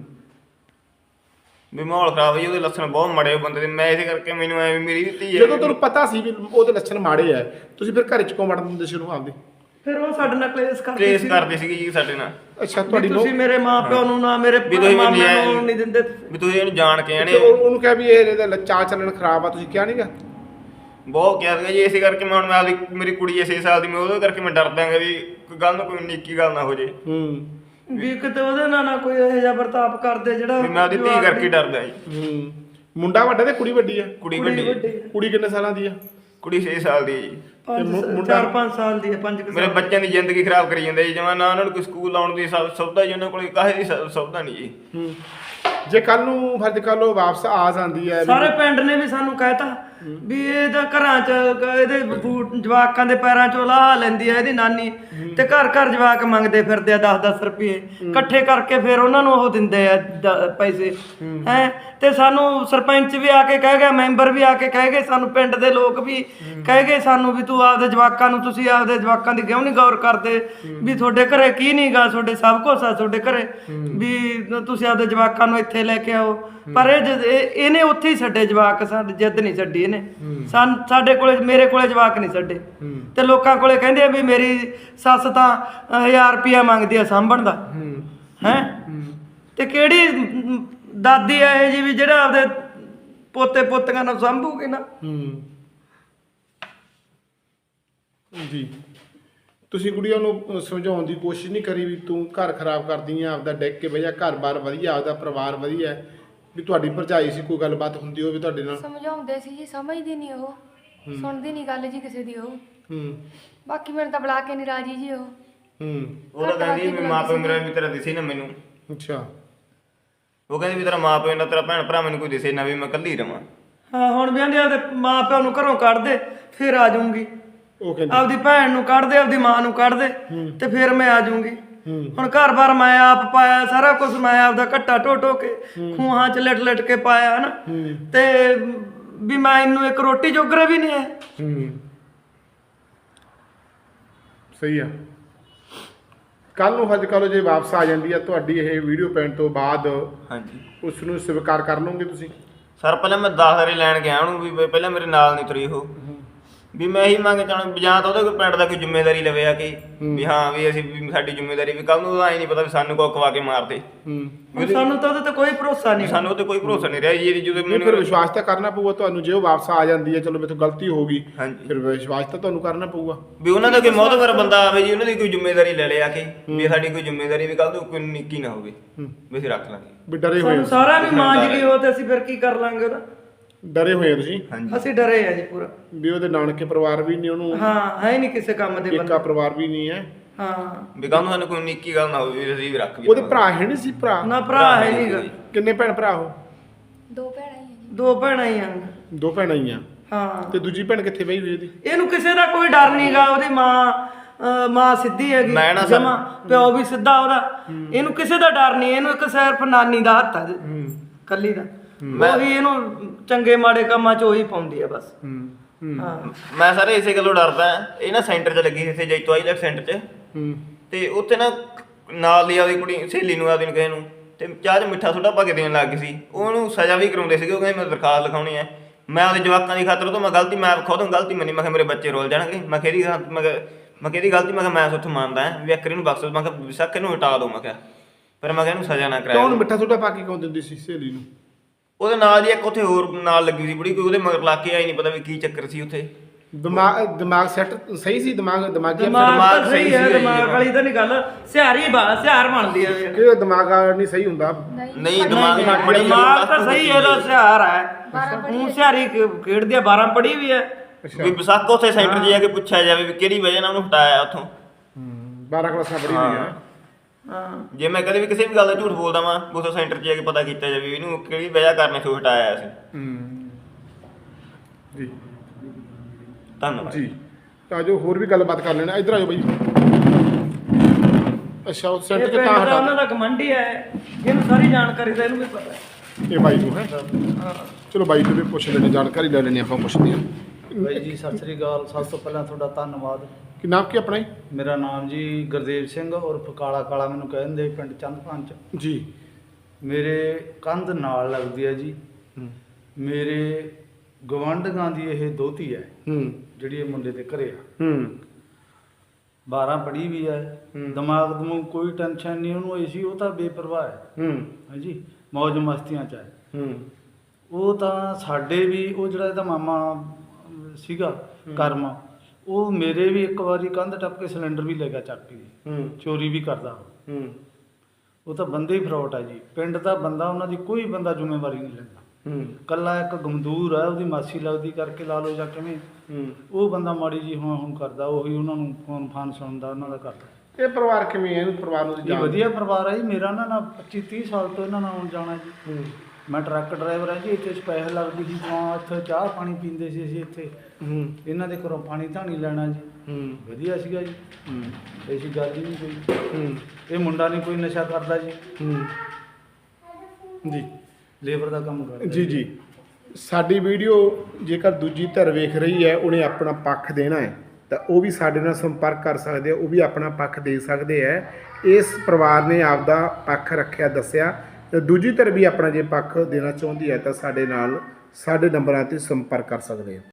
S2: ਵੀ ਮਾਹੌਲ ਖਰਾਬ ਹੈ ਜੀ। ਉਹਦੇ ਲੱਛਣ ਬਹੁਤ ਮਾੜੇ ਬੰਦੇ ਦੇ। ਮੈਂ ਇਸੇ ਕਰਕੇ ਮੈਨੂੰ ਐ ਮੇਰੀ ਵੀ ਧੀ ਹੈ।
S1: ਜਦੋਂ ਤੁਹਾਨੂੰ ਪਤਾ ਸੀ ਵੀ ਉਹਦੇ ਲੱਛਣ ਮਾੜੇ ਆ, ਤੁਸੀਂ ਫਿਰ ਘਰ 'ਚ ਕਿਉਂ ਵੜਨ ਦਿੰਦੇ ਸੀ ਉਹਨੂੰ ਆਪਦੇ?
S3: ਫਿਰ ਉਹ ਸਾਡੇ ਨਾਲ ਕਲੇਸ਼ ਕਰਦੇ
S2: ਸੀਗੇ ਜੀ ਸਾਡੇ ਨਾਲ।
S1: ਅੱਛਾ, ਤੁਹਾਡੀ
S3: ਤੁਸੀਂ ਮੇਰੇ ਮਾਪਿਓ ਨੂੰ ਨਾ ਮੇਰੇ ਮਾਮੇ ਨੂੰ ਨਹੀਂ ਦਿੰਦੇ
S2: ਵੀ ਤੁਸੀਂ ਇਹਨੂੰ ਜਾਣ ਕੇ ਆਣੇ।
S1: ਉਹਨੂੰ ਕਿਹਾ ਵੀ ਇਹਦਾ ਚਾਲ ਚੱਲਣ ਖਰਾਬ ਆ, ਤੁਸੀਂ ਕਿਹਾ ਨਹੀਂਗਾ?
S2: ਬਹੁਤ ਕਿਹਾ ਸੀਗਾ ਜੀ। ਇਸੇ ਕਰਕੇ ਮੈਂ ਹੁਣ ਮੇਰੀ ਕੁੜੀ 6 ਸਾਲ ਦੀ, ਮੈਂ ਉਹਦੇ ਕਰਕੇ ਮੈਂ ਡਰਦਾਂਗਾ ਵੀ ਕੋਈ ਗੱਲ ਨਾ ਕੋਈ ਨਿੱਕੀ ਗੱਲ ਨਾ ਹੋ ਜੇ।
S3: ਵੀ ਕਿਤੇ ਉਹਦੇ ਨਾਲ ਨਾ ਕੋਈ ਇਹੋ ਜਿਹਾ ਵਰਤਾਪ ਕਰਦੇ ਜਿਹੜਾ
S2: ਮੈਂ ਉਹਦੀ ਧੀ ਕਰਕੇ ਡਰਦਾ ਜੀ।
S1: ਮੁੰਡਾ ਵੱਡਾ ਤੇ ਕੁੜੀ ਵੱਡੀ ਆ?
S2: ਕੁੜੀ ਵੱਡੀ।
S1: ਕੁੜੀ ਕਿੰਨੇ ਸਾਲਾਂ ਦੀ ਆ?
S2: ਕੁੜੀ 6 ਸਾਲ ਦੀ ਹੈ ਜੀ।
S3: 4-5 ਸਾਲ ਦੀ ਹੈ। 5
S2: ਮੇਰੇ ਬੱਚਿਆਂ ਦੀ ਜ਼ਿੰਦਗੀ ਖਰਾਬ ਕਰੀ ਜਾਂਦੇ ਜੀ। ਜਿਵੇਂ ਨਾ ਉਹਨਾਂ ਨੂੰ ਕੋਈ ਸਕੂਲ ਆਉਣ ਦੀ ਸੁਵਿਧਾ ਜੀ, ਉਹਨਾਂ ਕੋਲ ਕਾਹੇ ਦੀ ਸੁਵਿਧਾ ਨਹੀਂ ਜੀ।
S1: ਜੇ ਕੱਲ ਨੂੰ ਫਰਜ਼ ਕਰ ਲਓ ਵਾਪਸ ਆ ਜਾਂਦੀ ਹੈ,
S3: ਸਾਰੇ ਪਿੰਡ ਨੇ ਵੀ ਸਾਨੂੰ ਕਹਿਤਾ ਵੀ ਇਹਦਾ ਘਰਾਂ 'ਚ ਇਹਦੇ ਜਵਾਕਾਂ ਦੇ ਪੈਰਾਂ 'ਚੋਂ ਲਾਹ ਲੈਂਦੀ ਹੈ ਇਹਦੀ ਨਾਨੀ, ਤੇ ਘਰ ਘਰ ਜਵਾਕ ਮੰਗਦੇ ਫਿਰਦੇ ਆ 10-10 ਰੁਪਏ ਇਕੱਠੇ ਕਰਕੇ, ਫਿਰ ਉਹਨਾਂ ਨੂੰ ਉਹ ਦਿੰਦੇ ਆ ਪੈਸੇ, ਹੈ? ਤੇ ਸਾਨੂੰ ਸਰਪੰਚ ਵੀ ਆ ਕੇ ਕਹਿ ਗਿਆ, ਮੈਂਬਰ ਵੀ ਆ ਕੇ ਕਹਿ ਗਏ, ਸਾਨੂੰ ਪਿੰਡ ਦੇ ਲੋਕ ਵੀ ਕਹਿ ਗਏ ਸਾਨੂੰ ਵੀ ਤੂੰ ਆਪਦੇ ਜਵਾਕਾਂ ਨੂੰ, ਤੁਸੀਂ ਆਪਦੇ ਜਵਾਕਾਂ ਦੀ ਕਿਉਂ ਨਹੀਂ ਗੌਰ ਕਰਦੇ ਵੀ ਤੁਹਾਡੇ ਘਰੇ ਕੀ ਨਹੀਂ ਗਾ, ਤੁਹਾਡੇ ਸਭ ਕੁਛ ਆ ਤੁਹਾਡੇ ਘਰੇ, ਵੀ ਤੁਸੀਂ ਆਪਦੇ ਜਵਾਕਾਂ ਨੂੰ ਇੱਥੇ ਲੈ ਕੇ ਆਓ। ਪਰ ਇਹਨੇ ਉੱਥੇ ਹੀ ਛੱਡੇ ਜਵਾਕ, ਸਾਡੇ ਜਿੱਦ ਨਹੀਂ ਛੱਡੀ ਇਹਨੇ। ਸਾਡੇ ਕੋਲੇ, ਮੇਰੇ ਕੋਲੇ ਜਵਾਕ ਨਹੀਂ ਛੱਡੇ। ਤੇ ਲੋਕਾਂ ਕੋਲੇ ਕਹਿੰਦੇ ਆ ਵੀ ਮੇਰੀ ਸੱਸ ਤਾਂ 1000 ਰੁਪਇਆ ਮੰਗਦੀ ਆ ਸਾਂਭਣ ਦਾ, ਹੈ? ਤੇ ਕਿਹੜੀ ਦਾਦੀ ਆ ਇਹ ਜੀ ਵੀ ਜਿਹੜਾ ਆਪਦੇ ਪੋਤੇ ਪੋਤੀਆਂ ਨੂੰ ਸਾਂਭੂਗੀ ਨਾ?
S1: ਜੀ ਤੁਸੀਂ ਕੁੜੀਆਂ ਨੂੰ ਸਮਝਾਉਣ ਦੀ ਕੋਸ਼ਿਸ਼ ਨਹੀਂ ਕਰੀ ਵੀ ਤੂੰ ਘਰ ਖਰਾਬ ਕਰਦੀ ਆ ਆਪਦਾ, ਡਿੱਗ ਕੇ ਬਹਿ ਜਾ, ਘਰ-ਬਾਰ ਵਧੀਆ, ਆਪਦਾ ਪਰਿਵਾਰ ਵਧੀਆ, ਵੀ ਤੁਹਾਡੀ ਭਰਜਾਈ ਸੀ, ਕੋਈ ਗੱਲਬਾਤ ਹੁੰਦੀ ਹੋਵੇ ਤੁਹਾਡੇ ਨਾਲ?
S4: ਸਮਝਾਉਂਦੇ ਸੀ ਜੀ, ਸਮਝਦੀ ਨਹੀਂ ਉਹ, ਸੁਣਦੀ ਨਹੀਂ ਗੱਲ ਜੀ ਕਿਸੇ ਦੀ ਉਹ। ਬਾਕੀ ਮੈਨੂੰ ਤਾਂ ਬੁਲਾ ਕੇ ਨਹੀਂ ਰਾਜੀ ਜੀ ਉਹ।
S2: ਉਹ ਤਾਂ ਕਹਿੰਦੀ ਵੀ ਮਾਂ ਪਿਓ ਮੇਰਾ ਵੀ ਤੇਰਾ ਦਿਸੇ ਨਾ ਮੈਨੂੰ।
S1: ਅੱਛਾ।
S2: ਉਹ ਕਹਿੰਦੀ ਵੀ ਤੇਰਾ ਮਾਂ ਪਿਓ ਨਾ, ਤੇਰਾ ਭੈਣ ਭਰਾ ਮੈਨੂੰ ਕੋਈ ਦਿਸੇ ਨਾ, ਵੀ ਮੈਂ ਇਕੱਲੀ ਰਵਾਂ।
S3: ਹਾਂ, ਹੁਣ ਵੀ ਆਂਦੇ ਆਪਦੇ ਮਾਂ ਪਿਓ ਨੂੰ ਘਰੋਂ ਕੱਢ ਦੇ ਫਿਰ ਆ ਜਾਊਂਗੀ।
S1: ਉਹ ਕਹਿੰਦੀ
S3: ਆਪਦੀ ਭੈਣ ਨੂੰ ਕੱਢ ਦੇ, ਆਪਦੀ ਮਾਂ ਨੂੰ ਕੱਢ ਦੇ, ਤੇ ਫਿਰ ਮੈਂ ਆ ਜਾਊਂਗੀ। ਹੁਣ ਘਰ-ਬਾਰ ਮੈਂ ਆਪ ਪਾਇਆ, ਸਾਰਾ ਕੁਝ ਮੈਂ ਆਪਦਾ ਘੱਟਾ ਢੋ ਕੇ ਖੂਹਾਂ 'ਚ ਲਿਟ ਕੇ ਪਾਇਆ, ਹਨਾ? ਤੇ ਵੀ ਮੈਂ ਇਹਨੂੰ ਇੱਕ ਰੋਟੀ ਜੋਗਰਾ ਵੀ ਨਹੀਂ ਹੈ।
S1: ਸਹੀ ਆ। ਕੱਲ ਨੂੰ ਹੱਜ ਕਰੋ ਜੇ ਵਾਪਸ ਆ ਜਾਂਦੀ ਆ ਤੁਹਾਡੀ ਇਹ ਵੀਡੀਓ ਪੈਣ ਤੋਂ ਬਾਅਦ,
S2: ਹਾਂਜੀ,
S1: ਉਸ ਨੂੰ ਸਵੀਕਾਰ ਕਰ ਲਓਗੇ ਤੁਸੀਂ?
S2: ਸਰ ਪਹਿਲਾਂ ਮੈਂ 10 ਵਾਰੀ ਲੈਣ ਗਿਆ ਉਹਨੂੰ, ਵੀ ਪਹਿਲਾਂ ਮੇਰੇ ਨਾਲ ਨਹੀਂ ਤੁਰੀ ਉਹ। ਵੀ ਮੈਂ ਇਹੀ ਮੰਗ ਚਾਹਣਾ ਜਾਂ ਤਾਂ ਉਹਦੇ ਕੋਈ ਪਿੰਡ ਦਾ ਕੋਈ ਜ਼ਿੰਮੇਵਾਰੀ ਲਵੇ ਆ ਕੇ ਵੀ ਹਾਂ ਵੀ ਅਸੀਂ ਵੀ ਸਾਡੀ ਜ਼ਿੰਮੇਵਾਰੀ ਵੀ ਕੱਲ ਨੂੰ ਐ ਨਹੀਂ ਪਤਾ ਵੀ ਸਾਨੂੰ ਕੋ ਖਵਾ ਕੇ ਮਾਰਦੇ
S3: ਹੁਣ ਸਾਨੂੰ ਤਾਂ ਉਹਦੇ ਤੇ ਕੋਈ ਭਰੋਸਾ ਨਹੀਂ
S2: ਸਾਨੂੰ ਉਹਤੇ ਕੋਈ ਭਰੋਸਾ ਨਹੀਂ ਰਿਹਾ ਜੀ ਜਦੋਂ
S1: ਨਹੀਂ ਫਿਰ ਵਿਸ਼ਵਾਸ ਤਾਂ ਕਰਨਾ ਪਊਗਾ ਤੁਹਾਨੂੰ, ਜੇ ਉਹ ਵਾਪਸ ਆ ਜਾਂਦੀ ਹੈ ਚਲੋ ਮੇਥੋਂ ਗਲਤੀ ਹੋ ਗਈ
S2: ਹਾਂਜੀ
S1: ਫਿਰ ਵਿਸ਼ਵਾਸ ਤਾਂ ਤੁਹਾਨੂੰ ਕਰਨਾ ਪਊਗਾ
S2: ਵੀ ਉਹਨਾਂ ਦਾ ਕੋਈ ਮੋਹਤਬਰ ਬੰਦਾ ਆਵੇ ਜੀ ਉਹਨਾਂ ਦੀ ਕੋਈ ਜ਼ਿੰਮੇਵਾਰੀ ਲੈ ਲਿਆ ਕੇ ਵੀ ਸਾਡੀ ਕੋਈ ਜ਼ਿੰਮੇਵਾਰੀ ਵੀ ਕੱਲ ਨੂੰ ਕੋਈ ਨਿੱਕੀ ਨਾ ਹੋਵੇ ਵੀ ਅਸੀਂ ਰੱਖ ਲਾਂਗੇ
S1: ਵੀ ਡਰੇ ਹੋਏ
S3: ਸਾਨੂੰ ਸਾਰਾ ਵੀ ਮਾਂਜ ਗਈ ਉਹ ਤੇ ਅਸੀਂ ਫਿਰ ਕੀ ਕਰ ਲਾਂਗੇ ਉਹਦਾ।
S1: ਡਰੇ ਹੋਏ ਆ ਤੁਸੀਂ
S2: ਹਾਂਜੀ
S3: ਅਸੀਂ ਡਰੇ ਆ ਜੀ ਪੂਰਾ।
S1: ਵੀ ਉਹਦੇ ਨਾਨਕੇ ਪਰਿਵਾਰ ਵੀ ਨਹੀਂ ਉਹਨੂੰ,
S3: ਹਾਂ ਹੈ ਨਹੀਂ ਕਿਸੇ ਕੰਮ ਦੇ ਬੰਦੇ।
S1: ਏਕਾ ਪਰਿਵਾਰ ਵੀ ਨਹੀਂ ਹੈ।
S3: ਹਾਂ
S2: ਵੀ ਕੱਲ ਨੂੰ ਸਾਨੂੰ ਕੋਈ ਨਿੱਕੀ ਗੱਲ ਨਾ ਹੋਵੇ ਵੀ ਅਸੀਂ ਵੀ ਰੱਖ ਵੀ
S1: ਉਹਦੇ ਭਰਾ ਹੈ ਨਹੀਂ ਸੀ? ਭਰਾ
S3: ਨਾ ਭਰਾ ਹੈ ਨਹੀਂਗਾ।
S1: ਕਿੰਨੇ ਭੈਣ ਭਰਾ ਉਹ?
S4: 2 ਭੈਣਾਂ ਹੀ ਆ ਜੀ।
S3: 2 ਭੈਣਾਂ ਹੀ ਆ।
S1: 2 ਭੈਣਾਂ ਹੀ ਆ।
S3: ਹਾਂ
S1: ਤੇ ਦੂਜੀ ਭੈਣ ਕਿੱਥੇ ਬਈ ਹੋਈ ਇਹਦੀ?
S3: ਇਹਨੂੰ ਕਿਸੇ ਦਾ ਕੋਈ ਡਰ ਨਹੀਂਗਾ। ਉਹਦੀ ਮਾਂ ਸਿੱਧੀ ਹੈਗੀ
S2: ਮੈਂ ਨਾ
S3: ਜਮਾਂ, ਪਿਓ ਵੀ ਸਿੱਧਾ ਉਹਦਾ। ਇਹਨੂੰ ਕਿਸੇ ਦਾ ਡਰ ਨਹੀਂ, ਇਹਨੂੰ ਇੱਕ ਸਿਰਫ ਨਾਨੀ ਦਾ ਹੱਥ ਆ ਕੱਲੀ ਦਾ। ਉਹੀ ਇਹਨੂੰ ਚੰਗੇ ਮਾੜੇ ਕੰਮਾਂ 'ਚ ਉਹੀ ਪਾਉਂਦੀ ਆ ਬਸ। ਹਾਂ
S2: ਮੈਂ ਸਾਰੇ ਇਸੇ ਗੱਲੋਂ ਡਰਦਾ ਇਹ ਨਾ ਸੈਂਟਰ 'ਚ ਲੱਗੀ ਸੀ ਇੱਥੇ ਜੈਤੋ ਆਈਲੈਟ ਸੈਂਟਰ 'ਚ ਤੇ ਉੱਥੇ ਨਾ ਨਾਲ ਦੀ ਆਪਦੀ ਕੁੜੀ ਸਹੇਲੀ ਨੂੰ ਆਪਦੀ ਨੂੰ ਕਿਸੇ ਨੂੰ ਤੇ ਚਾਹ 'ਚ ਮਿੱਠਾ ਸੋਡਾ ਪਾ ਕੇ ਦੇਣ ਲੱਗ ਗਈ ਸੀ। ਉਹਨੂੰ ਸਜ਼ਾ ਵੀ ਕਰਾਉਂਦੇ ਸੀਗੇ। ਉਹ ਕਹਿੰਦੇ ਮੈਂ ਦਰਖਾਸਤ ਲਿਖਾਉਣੀ ਹੈ। ਮੈਂ ਆਪਦੇ ਜਵਾਕਾਂ ਦੀ ਖਾਤਰ ਤੋਂ ਮੈਂ ਖੁਦ ਗਲਤੀ ਮੰਨੀ। ਮੈਂ ਕਿਹਾ ਮੇਰੇ ਬੱਚੇ ਰੋਲ ਜਾਣਗੇ। ਮੈਂ ਕਿਹਦੀ ਗਲਤੀ? ਮੈਂ ਕਿਹਾ ਮੈਂ ਉੱਥੇ ਮੰਨਦਾ ਵੀ ਇੱਕ ਨੂੰ ਬਖਸ਼। ਮੈਂ ਕਿਹਾ ਵਿਸ਼ੱਕ ਇਹਨੂੰ ਹਟਾ ਦਿਓ। ਮੈਂ ਕਿਹਾ ਪਰ ਮੈਂ ਕਿਹਾ ਇਹਨੂੰ ਸਜ਼ਾ ਨਾ ਕਰਾਇਆ।
S1: ਕੌਣ ਮਿੱਠਾ ਸੋਡਾ ਪਾ ਕੇ ਕਿਉਂ ਦਿੰਦੀ ਸੀ ਸਹੇਲੀ ਨੂੰ?
S2: ਉਹਦੇ ਨਾਲ ਦੀ ਇੱਕ ਉੱਥੇ ਹੋਰ ਨਾਲ ਲੱਗੀ ਸੀ ਬੁੜੀ, ਕੋਈ ਉਹਦੇ ਮਗਰ ਲਾ ਕੇ ਆਈ ਨਹੀਂ ਪਤਾ ਵੀ ਕੀ ਚੱਕਰ ਸੀ ਉੱਥੇ।
S1: ਦਿਮਾਗ ਸੈੱਟ ਸਹੀ ਸੀ? ਦਿਮਾਗੀ
S3: ਦਿਮਾਗ ਤਾਂ ਸਹੀ ਹੈ। ਦਿਮਾਗ ਵਾਲੀ ਤਾਂ ਨਹੀਂ ਗੱਲ। ਸਿਹਾਰ ਬਣਦੀ ਆ
S1: ਕਿ ਦਿਮਾਗ ਨਹੀਂ ਸਹੀ ਹੁੰਦਾ?
S2: ਨਹੀਂ ਦਿਮਾਗ ਨਾਲ ਬੜੀ
S3: ਦਿਮਾਗ ਤਾਂ ਸਹੀ ਹੈ। ਇਹਦਾ ਸਿਹਾਰ ਹੈ। ਹੁਣ ਸਿਹਾਰੀ ਖੇਡਦੀ ਆ। 12 ਪੜ੍ਹੀ ਵੀ ਹੈ।
S2: ਵੀ ਵਿਸਾਖ ਉੱਥੇ ਸੈਂਟਰ 'ਚ ਜਾ ਕੇ ਪੁੱਛਿਆ ਜਾਵੇ ਵੀ ਕਿਹੜੀ ਵਜ੍ਹਾ ਨਾਲ ਉਹਨੂੰ ਹਟਾਇਆ ਉੱਥੋਂ।
S1: 12 ਕਲਾਸਾਂ ਪੜ੍ਹੀ ਹੋਈ ਹੈ।
S3: ਹਾਂ
S2: ਜੇ ਮੈਂ ਕਦੇ ਵੀ ਕਿਸੇ ਵੀ ਗੱਲ ਦਾ ਝੂਠ ਬੋਲਦਾ ਵਾਂ ਉਸ ਸੈਂਟਰ 'ਚ ਜਾ ਕੇ ਪਤਾ ਕੀਤਾ ਜਾਵੇ ਇਹਨੂੰ ਕਿਹੜੀ ਵਜ੍ਹਾ ਕਾਰਨ ਤੋਂ ਹਟਾਇਆ ਸੀ।
S1: ਜੀ
S2: ਧੰਨਵਾਦ
S1: ਜੀ। ਤਾਂ ਜੋ ਹੋਰ ਵੀ ਗੱਲਬਾਤ ਕਰ ਲੈਣਾ। ਇੱਧਰ ਆਜੋ ਬਾਈ। ਅੱਛਾ ਉਹ ਸੈਂਟਰ 'ਚ ਤਾਂ
S3: ਉਹਨਾਂ
S1: ਹਟਾ
S3: ਦਾ ਕਮੰਡੀ ਹੈ। ਇਹਨੂੰ ਸਾਰੀ ਜਾਣਕਾਰੀ ਤਾਂ ਇਹਨੂੰ ਵੀ ਪਤਾ ਹੈ।
S1: ਇਹ ਬਾਈ ਨੂੰ ਹੈ। ਚਲੋ ਬਾਈ ਨੂੰ ਵੀ ਪੁੱਛ ਲੈਣੇ, ਜਾਣਕਾਰੀ ਲੈ ਲੈਣੇ ਆਪਾਂ। ਪੁੱਛਦੇ ਹਾਂ
S5: ਬਾਈ ਜੀ ਸਤਿ ਸ੍ਰੀ ਅਕਾਲ। ਸਭ ਤੋਂ ਪਹਿਲਾਂ ਤੁਹਾਡਾ ਧੰਨਵਾਦ।
S1: ਕਿ ਨਾਮ ਕੀ ਆਪਣਾ ਜੀ?
S5: ਮੇਰਾ ਨਾਮ ਜੀ ਗੁਰਦੇਵ ਸਿੰਘ ਉਰਫ ਕਾਲਾ ਮੈਨੂੰ ਕਹਿੰਦੇ ਪਿੰਡ ਚੰਦਪੰਚ
S1: ਜੀ।
S5: ਮੇਰੇ ਕੰਧ ਨਾਲ ਲੱਗਦੀ ਹੈ ਜੀ। ਮੇਰੇ ਗਵਾਂਢੀਆਂ ਦੀ ਇਹ ਦੋਤੀ ਹੈ ਜਿਹੜੀ ਇਹ ਮੁੰਡੇ ਦੇ ਘਰੇ ਆ। 12 ਪੜ੍ਹੀ ਵੀ ਹੈ। ਦਿਮਾਗ ਨੂੰ ਕੋਈ ਟੈਨਸ਼ਨ ਨਹੀਂ ਉਹਨੂੰ। ਸੀ ਉਹ ਤਾਂ ਬੇਪਰਵਾਹ ਹੈ ਹਾਂਜੀ, ਮौज ਮਸਤੀਆਂ 'ਚ ਹੈ। ਉਹ ਤਾਂ ਸਾਡੇ ਵੀ ਉਹ ਜਿਹੜਾ ਇਹਦਾ ਮਾਮਾ ਸੀਗਾ ਕਰਮ, ਉਹ ਮੇਰੇ ਵੀ ਇੱਕ ਵਾਰੀ ਕੰਧ ਟੱਪ ਕੇ ਸਿਲੰਡਰ ਵੀ ਲੈ ਗਿਆ ਚੱਕ ਕੇ। ਚੋਰੀ ਵੀ ਕਰਦਾ ਉਹ ਤਾਂ ਬੰਦੇ ਹੀ ਫਰੋਟ ਆ ਜੀ। ਪਿੰਡ ਦਾ ਬੰਦਾ, ਉਹਨਾਂ ਦੀ ਕੋਈ ਬੰਦਾ ਜ਼ਿੰਮੇਵਾਰੀ ਨਹੀਂ ਲੈਂਦਾ। ਕੱਲਾ ਇੱਕ ਗਮਦੂਰ ਹੈ, ਉਹਦੀ ਮਾਸੀ ਲੱਗਦੀ ਕਰਕੇ ਲਾ ਲਓ ਜਾਂ ਕਿਵੇਂ। ਉਹ ਬੰਦਾ ਮਾੜੀ ਜੀ ਹੁਣ ਕਰਦਾ। ਉਹੀ ਉਹਨਾਂ ਨੂੰ ਫੋਨ ਸੁਣਦਾ ਉਹਨਾਂ ਦਾ ਕਰਦਾ।
S1: ਇਹ ਪਰਿਵਾਰ ਕਿਵੇਂ ਹੈ? ਇਹਨੂੰ ਪਰਿਵਾਰ ਨੂੰ
S5: ਇਹ ਵਧੀਆ ਪਰਿਵਾਰ ਹੈ ਜੀ ਮੇਰਾ। ਨਾ 25-30 ਸਾਲ ਤੋਂ ਇਹਨਾਂ ਨਾਲ ਆਉਣ ਜਾਣਾ ਜੀ। ਮੈਂ ਟਰੱਕ ਡਰਾਈਵਰ ਹਾਂ ਜੀ। ਇੱਥੇ ਸਪੈਸ਼ਲ ਲੱਗਦੀ ਸੀ ਤਾਂ ਇੱਥੇ ਚਾਹ ਪਾਣੀ ਪੀਂਦੇ ਸੀ ਅਸੀਂ ਇੱਥੇ। ਇਹਨਾਂ ਦੇ ਘਰੋਂ ਪਾਣੀ ਧਾਣੀ ਲੈਣਾ ਜੀ। ਵਧੀਆ ਸੀਗਾ ਜੀ। ਐਸੀ ਗੱਲ ਹੀ ਨਹੀਂ ਕੋਈ। ਇਹ ਮੁੰਡਾ ਨਹੀਂ ਕੋਈ ਨਸ਼ਾ ਕਰਦਾ ਜੀ।
S1: ਜੀ
S5: ਲੇਬਰ ਦਾ ਕੰਮ ਕਰਦਾ
S1: ਜੀ ਜੀ। ਸਾਡੀ ਵੀਡੀਓ ਜੇਕਰ ਦੂਜੀ ਧਿਰ ਵੇਖ ਰਹੀ ਹੈ, ਉਹਨੇ ਆਪਣਾ ਪੱਖ ਦੇਣਾ ਹੈ ਤਾਂ ਉਹ ਵੀ ਸਾਡੇ ਨਾਲ ਸੰਪਰਕ ਕਰ ਸਕਦੇ ਆ। ਉਹ ਵੀ ਆਪਣਾ ਪੱਖ ਦੇ ਸਕਦੇ ਹੈ। ਇਸ ਪਰਿਵਾਰ ਨੇ ਆਪਦਾ ਪੱਖ ਰੱਖਿਆ, ਦੱਸਿਆ। ਤੇ ਦੂਜੀ ਧਿਰ ਵੀ ਆਪਣਾ ਜੇ ਪੱਖ ਦੇਣਾ ਚਾਹੁੰਦੀ ਹੈ ਤਾਂ ਸਾਡੇ ਨਾਲ ਸਾਡੇ ਨੰਬਰਾਂ 'ਤੇ ਸੰਪਰਕ ਕਰ ਸਕਦੇ ਹੋ।